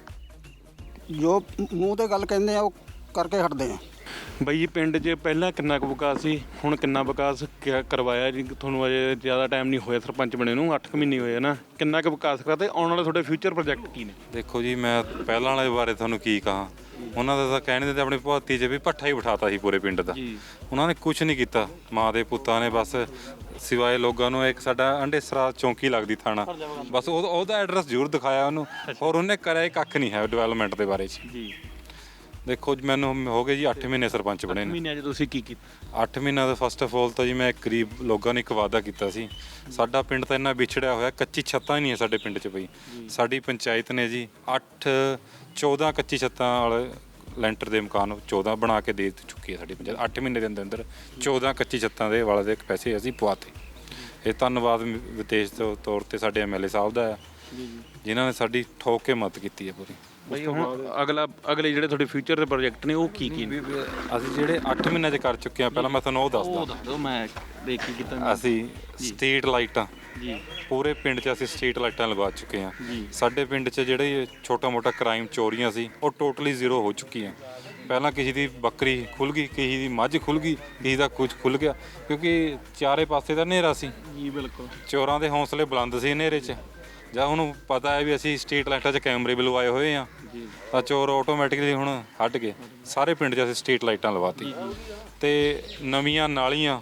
J: ਜੋ ਮੂੰਹ ਤੇ ਗੱਲ ਕਹਿੰਦੇ ਆ ਉਹ ਕਰਕੇ ਹਟਦੇ ਆ।
A: ਬਾਈ ਜੀ ਪਿੰਡ 'ਚ ਪਹਿਲਾਂ ਕਿੰਨਾ ਕੁ ਵਿਕਾਸ ਸੀ, ਹੁਣ ਕਿੰਨਾ ਵਿਕਾਸ ਕ- ਕਰਵਾਇਆ ਜੀ? ਤੁਹਾਨੂੰ ਅਜੇ ਜ਼ਿਆਦਾ ਟਾਈਮ ਨਹੀਂ ਹੋਇਆ ਸਰਪੰਚ ਬਣੇ ਨੂੰ, ਅੱਠ ਕੁ ਮਹੀਨੇ ਹੋਏ ਆ ਨਾ। ਕਿੰਨਾ ਕੁ ਵਿਕਾਸ ਕਰਾ ਤੇ ਆਉਣ ਵਾਲੇ ਤੁਹਾਡੇ ਫਿਊਚਰ ਪ੍ਰੋਜੈਕਟ ਕੀ ਨੇ?
K: ਦੇਖੋ ਜੀ, ਮੈਂ ਪਹਿਲਾਂ ਵਾਲੇ ਬਾਰੇ ਤੁਹਾਨੂੰ ਕੀ ਕਹਾਂ। ਉਹਨਾਂ ਦਾ ਤਾਂ ਕਹਿਣੇ ਤੇ ਆਪਣੀ ਭਗਤੀ 'ਚ ਵੀ ਭੱਠਾ ਹੀ ਬਿਠਾਤਾ ਸੀ ਪੂਰੇ ਪਿੰਡ ਦਾ। ਉਹਨਾਂ ਨੇ ਕੁਝ ਨਹੀਂ ਕੀਤਾ, ਮਾਂ ਦੇ ਪੁੱਤਾਂ ਨੇ ਬਸ ਸਿਵਾਏ ਲੋਕਾਂ ਨੂੰ ਇੱਕ ਸਾਡਾ ਅੰਡੇਸਰਾ ਚੌਂਕੀ ਲੱਗਦੀ ਥਾਣਾ, ਬਸ ਉਹ ਉਹਦਾ ਐਡਰੈਸ ਜ਼ਰੂਰ ਦਿਖਾਇਆ ਉਹਨੂੰ, ਔਰ ਉਹਨੇ ਕਰਿਆ ਹੀ ਕੱਖ ਨਹੀਂ ਹੈ ਡਿਵੈਲਪਮੈਂਟ ਦੇ ਬਾਰੇ 'ਚ।
A: ਜੀ
K: ਦੇਖੋ ਜੀ, ਮੈਨੂੰ ਹੋ ਗਏ ਜੀ ਅੱਠ ਮਹੀਨੇ ਸਰਪੰਚ ਬਣੇ ਨੇ।
A: ਮਹੀਨਿਆਂ 'ਚ ਤੁਸੀਂ ਕੀ ਕੀਤਾ?
K: ਅੱਠ ਮਹੀਨਿਆਂ ਦਾ ਫਸਟ ਆਫ ਆਲ ਤਾਂ ਜੀ ਮੈਂ ਗਰੀਬ ਲੋਕਾਂ ਨੂੰ ਇੱਕ ਵਾਅਦਾ ਕੀਤਾ ਸੀ। ਸਾਡਾ ਪਿੰਡ ਤਾਂ ਇੰਨਾ ਵਿਛੜਿਆ ਹੋਇਆ, ਕੱਚੀ ਛੱਤਾਂ ਹੀ ਨਹੀਂ ਹੈ ਸਾਡੇ ਪਿੰਡ 'ਚ ਬਈ। ਸਾਡੀ ਪੰਚਾਇਤ ਨੇ ਜੀ ਅੱਠ ਚੌਦਾਂ ਕੱਚੀ ਛੱਤਾਂ ਵਾਲੇ ਲੈਂਟਰ ਦੇ ਮਕਾਨ ਚੌਦਾਂ ਬਣਾ ਕੇ ਦੇ ਚੁੱਕੀ ਹੈ ਸਾਡੀ ਪੰਚਾਇਤ। ਅੱਠ ਮਹੀਨੇ ਦੇ ਅੰਦਰ ਅੰਦਰ ਚੌਦਾਂ ਕੱਚੀ ਛੱਤਾਂ ਦੇ ਵਾਲੇ ਦੇ ਪੈਸੇ ਅਸੀਂ ਪਵਾਤੇ। ਇਹ ਧੰਨਵਾਦ ਵਿਦੇਸ਼ ਦੇ ਤੌਰ ਤੇ ਸਾਡੇ ਐਮ ਐਲ ਏ ਸਾਹਿਬ ਦਾ ਆ, ਜਿਨ੍ਹਾਂ ਨੇ ਸਾਡੀ ਠੋਕ ਕੇ ਮਦਦ ਕੀਤੀ ਹੈ ਪੂਰੀ।
A: ਬਈ ਹੁਣ ਅਗਲਾ ਅਗਲੇ ਜਿਹੜੇ ਤੁਹਾਡੇ ਫਿਊਚਰ ਦੇ ਪ੍ਰੋਜੈਕਟ ਨੇ ਉਹ ਕੀ ਕੀ ਨੇ?
K: ਅਸੀਂ ਜਿਹੜੇ ਅੱਠ ਮਹੀਨਿਆਂ 'ਚ ਕਰ ਚੁੱਕੇ ਹਾਂ, ਪਹਿਲਾਂ ਮੈਂ ਤੁਹਾਨੂੰ ਉਹ ਦੱਸਦਾ।
A: ਉਹ ਦੱਸ ਦਿਓ, ਮੈਂ ਦੇਖ ਕੀ ਕੀਤਾ।
K: ਅਸੀਂ ਸਟਰੀਟ ਲਾਈਟਾਂ
A: ਜੀ
K: ਪੂਰੇ ਪਿੰਡ 'ਚ ਅਸੀਂ ਸਟਰੀਟ ਲਾਈਟਾਂ ਲਵਾ ਚੁੱਕੇ ਹਾਂ। ਸਾਡੇ ਪਿੰਡ 'ਚ ਜਿਹੜੇ ਛੋਟਾ ਮੋਟਾ ਕ੍ਰਾਈਮ ਚੋਰੀਆਂ ਸੀ ਉਹ ਟੋਟਲੀ ਜ਼ੀਰੋ ਹੋ ਚੁੱਕੀਆਂ। ਪਹਿਲਾਂ ਕਿਸੇ ਦੀ ਬੱਕਰੀ ਖੁੱਲ ਗਈ, ਕਿਸੇ ਦੀ ਮੱਝ ਖੁੱਲ ਗਈ, ਕਿਸੇ ਦਾ ਕੁਝ ਖੁੱਲ ਗਿਆ, ਕਿਉਂਕਿ ਚਾਰੇ ਪਾਸੇ ਦਾ ਹਨੇਰਾ ਸੀ
A: ਜੀ। ਬਿਲਕੁਲ
K: ਚੋਰਾਂ ਦੇ ਹੌਸਲੇ ਬੁਲੰਦ ਸੀ ਹਨੇਰੇ 'ਚ। ਜਾਂ ਉਹਨੂੰ ਪਤਾ ਹੈ ਵੀ ਅਸੀਂ ਸਟਰੀਟ ਲਾਈਟਾਂ 'ਚ ਕੈਮਰੇ ਵੀ ਲਵਾਏ ਹੋਏ ਆ, ਤਾਂ ਚੋਰ ਆਟੋਮੈਟਿਕਲੀ ਹੁਣ ਹਟ ਗਏ। ਸਾਰੇ ਪਿੰਡ 'ਚ ਅਸੀਂ ਸਟਰੀਟ ਲਾਈਟਾਂ ਲਵਾਤੀ ਤੇ ਨਵੀਆਂ ਨਾਲੀਆਂ।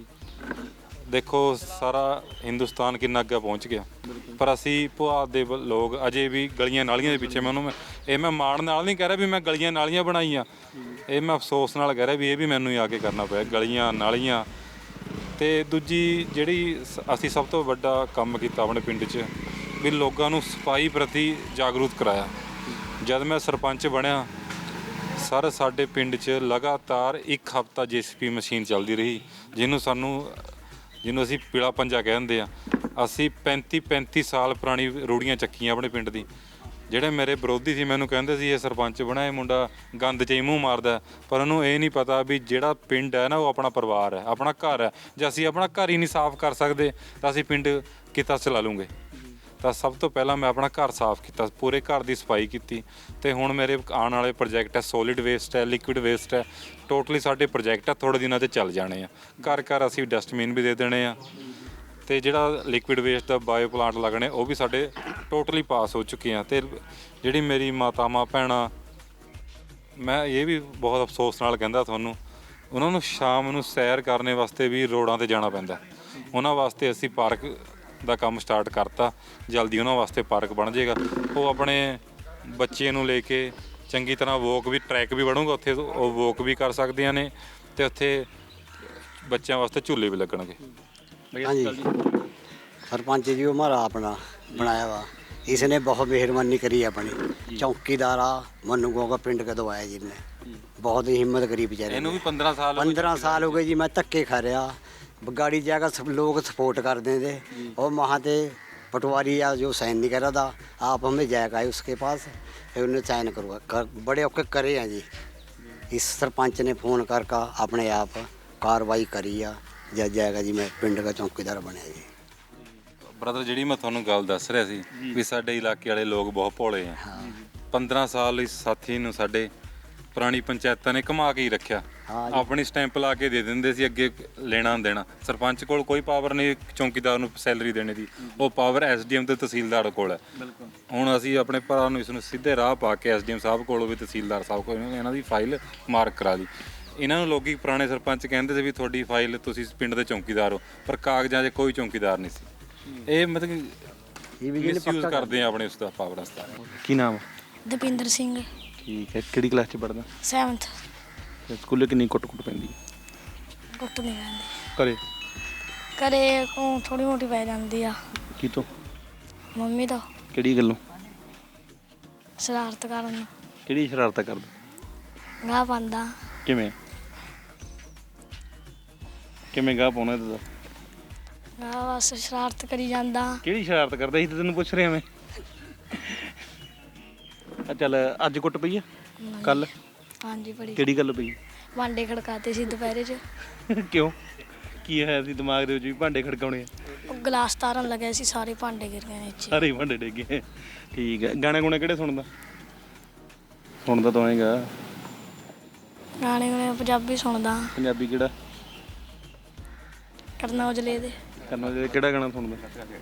K: ਦੇਖੋ ਸਾਰਾ ਹਿੰਦੁਸਤਾਨ ਕਿੰਨਾ ਅੱਗੇ ਪਹੁੰਚ ਗਿਆ, ਪਰ ਅਸੀਂ ਪੁਆਧ ਦੇ ਲੋਕ ਅਜੇ ਵੀ ਗਲੀਆਂ ਨਾਲੀਆਂ ਦੇ ਪਿੱਛੇ। ਮੈਂ ਉਹਨੂੰ ਇਹ ਮੈਂ ਮਾਣ ਨਾਲ ਨਹੀਂ ਕਹਿ ਰਿਹਾ ਵੀ ਮੈਂ ਗਲੀਆਂ ਨਾਲੀਆਂ ਬਣਾਈਆਂ, ਇਹ ਮੈਂ ਅਫਸੋਸ ਨਾਲ ਕਹਿ ਰਿਹਾ ਵੀ ਇਹ ਵੀ ਮੈਨੂੰ ਹੀ ਆ ਕੇ ਕਰਨਾ ਪਿਆ, ਗਲੀਆਂ ਨਾਲੀਆਂ। ਤੇ ਦੂਜੀ ਜਿਹੜੀ ਅਸੀਂ ਸਭ ਤੋਂ ਵੱਡਾ ਕੰਮ ਕੀਤਾ ਆਪਣੇ ਪਿੰਡ 'ਚ ਵੀ ਲੋਕਾਂ ਨੂੰ ਸਫਾਈ ਪ੍ਰਤੀ ਜਾਗਰੂਕ ਕਰਾਇਆ। ਜਦ ਮੈਂ ਸਰਪੰਚ ਬਣਿਆ ਸਰ ਸਾਡੇ ਪਿੰਡ 'ਚ ਲਗਾਤਾਰ ਇੱਕ ਹਫ਼ਤਾ ਜੇ ਸੀ ਪੀ ਮਸ਼ੀਨ ਚੱਲਦੀ ਰਹੀ, ਜਿਹਨੂੰ ਸਾਨੂੰ ਜਿਹਨੂੰ ਅਸੀਂ ਪੀਲਾ ਪੰਜਾ ਕਹਿੰਦੇ ਆ। ਅਸੀਂ ਪੈਂਤੀ ਪੈਂਤੀ ਸਾਲ ਪੁਰਾਣੀ ਰੂੜੀਆਂ ਚੱਕੀਆਂ ਆਪਣੇ ਪਿੰਡ ਦੀ। ਜਿਹੜੇ ਮੇਰੇ ਵਿਰੋਧੀ ਸੀ ਮੈਨੂੰ ਕਹਿੰਦੇ ਸੀ ਇਹ ਸਰਪੰਚ ਬਣਾ, ਇਹ ਮੁੰਡਾ ਗੰਦ 'ਚ ਹੀ ਮੂੰਹ ਮਾਰਦਾ, ਪਰ ਉਹਨੂੰ ਇਹ ਨਹੀਂ ਪਤਾ ਵੀ ਜਿਹੜਾ ਪਿੰਡ ਹੈ ਨਾ ਉਹ ਆਪਣਾ ਪਰਿਵਾਰ ਹੈ, ਆਪਣਾ ਘਰ ਹੈ। ਜੇ ਅਸੀਂ ਆਪਣਾ ਘਰ ਹੀ ਨਹੀਂ ਸਾਫ਼ ਕਰ ਸਕਦੇ ਤਾਂ ਅਸੀਂ ਪਿੰਡ ਕਿੱਦਾਂ ਚਲਾ ਲੂੰਗੇ। ਤਾਂ ਸਭ ਤੋਂ ਪਹਿਲਾਂ ਮੈਂ ਆਪਣਾ ਘਰ ਸਾਫ਼ ਕੀਤਾ, ਪੂਰੇ ਘਰ ਦੀ ਸਫਾਈ ਕੀਤੀ। ਤੇ ਹੁਣ ਮੇਰੇ ਆਉਣ ਵਾਲੇ ਪ੍ਰੋਜੈਕਟ ਹੈ, ਸੋਲਿਡ ਵੇਸਟ ਹੈ, ਲਿਕੁਇਡ ਵੇਸਟ ਹੈ, ਟੋਟਲੀ ਸਾਡੇ ਪ੍ਰੋਜੈਕਟ ਹੈ, ਥੋੜ੍ਹੇ ਦਿਨਾਂ 'ਚ ਚੱਲ ਜਾਣੇ ਆ। ਘਰ ਘਰ ਅਸੀਂ ਡਸਟਬਿਨ ਵੀ ਦੇ ਦੇਣੇ ਆ। ਤੇ ਜਿਹੜਾ ਲਿਕੁਇਡ ਵੇਸਟ ਦਾ ਬਾਇਓ ਪਲਾਂਟ ਲੱਗਣੇ ਉਹ ਵੀ ਸਾਡੇ ਟੋਟਲੀ ਪਾਸ ਹੋ ਚੁੱਕੇ ਆ। ਤੇ ਜਿਹੜੀ ਮੇਰੀ ਮਾਤਾਵਾਂ ਭੈਣਾਂ, ਮੈਂ ਇਹ ਵੀ ਬਹੁਤ ਅਫਸੋਸ ਨਾਲ ਕਹਿੰਦਾ ਤੁਹਾਨੂੰ, ਉਹਨਾਂ ਨੂੰ ਸ਼ਾਮ ਨੂੰ ਸੈਰ ਕਰਨ ਵਾਸਤੇ ਵੀ ਰੋਡਾਂ 'ਤੇ ਜਾਣਾ ਪੈਂਦਾ। ਉਹਨਾਂ ਵਾਸਤੇ ਅਸੀਂ ਪਾਰਕ ਦਾ ਕੰਮ ਸਟਾਰਟ ਕਰਤਾ, ਜਲਦੀ ਉਹਨਾਂ ਵਾਸਤੇ ਪਾਰਕ ਬਣ ਜਾਏਗਾ। ਉਹ ਆਪਣੇ ਬੱਚੇ ਨੂੰ ਲੈ ਕੇ ਚੰਗੀ ਤਰ੍ਹਾਂ ਵੋਕ ਵੀ, ਟਰੈਕ ਵੀ ਬਣੂਗਾ ਉੱਥੇ, ਉਹ ਵੋਕ ਵੀ ਕਰ ਸਕਦੀਆਂ ਨੇ ਤੇ ਉੱਥੇ ਬੱਚਿਆਂ ਵਾਸਤੇ ਝੂਲੇ ਵੀ ਲੱਗਣਗੇ।
L: हाँ जी, सरपंच जी हमारा अपना बनाया हुआ, इसने बहुत मेहरबानी करी अपनी। चौकीदार आ मनु गोगा पिंड का दवाया जिनने, बहुत ही हिम्मत करी बेचारे।
K: ਇਹਨੂੰ ਵੀ ਪੰਦਰਾਂ ਸਾਲ
L: पंद्रह साल हो गए जी, मैं धक्के खा रहा, गाड़ी जाकर सब लोग सपोर्ट करते थे। और वहाँ से पटवारी या जो साइन नहीं कर रहा था, आप हमें जाएगा उसके पास, फिर उन्हें साइन करवा कर, बड़े औके करे हैं जी। इस सरपंच ने फ़ोन करके अपने आप कार्रवाई करी आ, जज जाएगा जी, मैं पिंड का चौकीदार बनया जी।
K: ਬ੍ਰਦਰ ਜਿਹੜੀ ਮੈਂ ਤੁਹਾਨੂੰ ਗੱਲ ਦੱਸ ਰਿਹਾ ਸੀ ਵੀ ਸਾਡੇ ਇਲਾਕੇ ਵਾਲੇ ਲੋਕ ਬਹੁਤ ਭੋਲੇ ਆ। ਪੰਦਰਾਂ ਸਾਲ ਇਸ ਸਾਥੀ ਨੂੰ ਸਾਡੇ ਪੁਰਾਣੀ ਪੰਚਾਇਤਾਂ ਨੇ ਘੁਮਾ ਕੇ ਹੀ ਰੱਖਿਆ। ਆਪਣੀ ਸਟੈਂਪ ਲਾ ਕੇ ਦੇ ਦਿੰਦੇ ਸੀ, ਅੱਗੇ ਲੈਣਾ ਦੇਣਾ। ਸਰਪੰਚ ਕੋਲ ਕੋਈ ਪਾਵਰ ਨਹੀਂ ਚੌਕੀਦਾਰ ਨੂੰ ਸੈਲਰੀ ਦੇਣੇ ਦੀ, ਉਹ ਪਾਵਰ ਐਸ ਡੀ ਐਮ ਤੇ ਤਹਿਸੀਲਦਾਰ ਕੋਲ ਹੈ। ਹੁਣ ਅਸੀਂ ਆਪਣੇ ਭਰਾ ਨੂੰ ਇਸ ਨੂੰ ਸਿੱਧੇ ਰਾਹ ਪਾ ਕੇ ਐਸ ਡੀ ਐਮ ਸਾਹਿਬ ਕੋਲ ਵੀ ਤਹਿਸੀਲਦਾਰ ਸਾਹਿਬ ਕੋਲ ਇਹਨਾਂ ਦੀ ਫਾਈਲ ਮਾਰਕ ਕਰਾ ਲਈ। ਇਹਨਾਂ ਨੂੰ ਲੋਕੀ ਪੁਰਾਣੇ ਸਰਪੰਚ ਕਹਿੰਦੇ ਸੀ ਵੀ ਤੁਹਾਡੀ ਫਾਈਲ, ਤੁਸੀਂ ਪਿੰਡ ਦੇ ਚੌਕੀਦਾਰ ਹੋ, ਪਰ ਕਾਗਜ਼ਾਂ 'ਚ ਕੋਈ ਚੌਕੀਦਾਰ ਨਹੀਂ ਸੀ। ਇਹ ਮਤਲਬ ਮਿਸਯੂਜ਼ ਕਰਦੇ ਆ ਆਪਣੇ ਉਸ ਦਾ ਪਾਵਰ ਦਾ।
A: ਕੀ ਨਾਮ?
M: ਦਪਿੰਦਰ ਸਿੰਘ।
A: ਠੀਕ ਹੈ, ਕਿਹੜੀ ਕਲਾਸ 'ਚ ਪੜ੍ਹਦਾ?
M: ਸੈਵਨਥ।
A: ਸਕੂਲੇ ਕਿੰਨੀ ਕੁੱਟ ਕੁੱਟ ਪੈਂਦੀ?
M: ਕੁੱਟ ਨਹੀਂ ਪੈਂਦੀ
A: ਘਰੇ?
M: ਘਰੇ ਥੋੜੀ ਮੋਟੀ ਪੈ ਜਾਂਦੀ ਆ।
A: ਕੀ ਤੋਂ?
M: ਮੰਮੀ ਤੋਂ।
A: ਕਿਹੜੀ ਗੱਲੋਂ?
M: ਸ਼ਰਾਰਤ ਕਰਨ ਨੂੰ।
A: ਕਿਹੜੀ ਸ਼ਰਾਰਤ ਕਰਦਾ?
M: ਗਾਹ ਪਾਉਂਦਾ।
A: ਕਿਵੇਂ ਕਿਵੇਂ ਗਾਹ ਪਾਉਣਾ ਇਹਦਾ?
M: ਗਾਹ ਬਸ ਸ਼ਰਾਰਤ ਕਰੀ ਜਾਂਦਾ।
A: ਕਿਹੜੀ ਸ਼ਰਾਰਤ ਕਰਦਾ ਸੀ ਤੇ ਤੈਨੂੰ ਪੁੱਛ ਰਿਹਾ ਮੈਂ। ਆ ਚੱਲ ਅੱਜ ਕੁੱਟ ਪਈ ਆ? ਕੱਲ?
M: ਹਾਂਜੀ ਪੜੀ।
A: ਕਿਹੜੀ ਗੱਲ ਪਈ?
M: ਭਾਂਡੇ ਖੜਕਾਤੇ ਸੀ ਦੁਪਹਿਰੇ 'ਚ।
A: ਕਿਉਂ, ਕੀ ਹੋਇਆ ਸੀ ਦਿਮਾਗ ਦੇ ਵਿੱਚ ਵੀ ਭਾਂਡੇ ਖੜਕਾਉਣੇ ਆ?
M: ਉਹ ਗਲਾਸ ਤਾਰਨ ਲੱਗਿਆ ਸੀ, ਸਾਰੇ ਭਾਂਡੇ ਗਿਰ ਗਏ ਨੀਚੇ।
A: ਸਾਰੇ ਭਾਂਡੇ ਡਿੱਗੇ। ਠੀਕ ਹੈ, ਗਾਣੇ ਗੁਣੇ ਕਿਹੜੇ ਸੁਣਦਾ? ਸੁਣਦਾ ਤਾਂ ਹੋਏਗਾ
M: ਗਾਣੇ ਗੁਣੇ ਪੰਜਾਬੀ ਸੁਣਦਾ।
A: ਪੰਜਾਬੀ ਕਿਹੜਾ?
M: ਕਰਨਾ ਔਜਲੇ ਦੇ।
A: ਕਰਨਾ ਔਜਲੇ ਕਿਹੜਾ ਗਾਣਾ ਸੁਣਦਾ?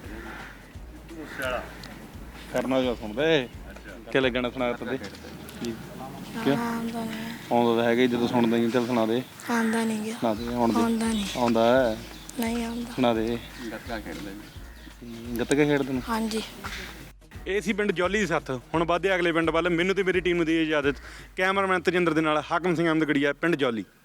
A: ਕਰਨਾ ਔਜਲਾ ਸੁਣਦਾ ਏ? ਕਿਹੜਾ ਗਾਣਾ ਸੁਣਾ ਤਾ?
M: ਆਉਂਦਾ ਨਹੀਂ।
A: ਆਉਂਦਾ ਤਾਂ ਹੈਗਾ, ਜਦੋਂ ਸੁਣਦਾ ਹੀ ਚੱਲ ਸੁਣਾ ਦੇ।
M: ਆਉਂਦਾ ਨਹੀਂ ਗਿਆ।
A: ਸੁਣਾ ਦੇ। ਆਉਂਦਾ
M: ਨਹੀਂ।
A: ਆਉਂਦਾ
M: ਨਹੀਂ ਆਉਂਦਾ।
A: ਸੁਣਾ ਦੇ।
H: ਗੱਤਕਾ ਖੇਡਦਾ
A: ਜੀ। ਗੱਤਕਾ ਖੇਡਦੇ ਨੂੰ?
M: ਹਾਂਜੀ।
A: ਇਹ ਸੀ ਪਿੰਡ ਜੌਲੀ ਦੀ ਸੱਥ। ਹੁਣ ਵੱਧਦੇ ਅਗਲੇ ਪਿੰਡ ਵੱਲ। ਮੈਨੂੰ ਤੇ ਮੇਰੀ ਟੀਮ ਨੂੰ ਦੀ ਇਜਾਜ਼ਤ। ਕੈਮਰਾਮੈਨ ਤਜਿੰਦਰ ਦੇ ਨਾਲ ਹਾਕਮ ਸਿੰਘ ਅਹਿਮਦਗੜੀਆ, ਪਿੰਡ ਜੌਲੀ।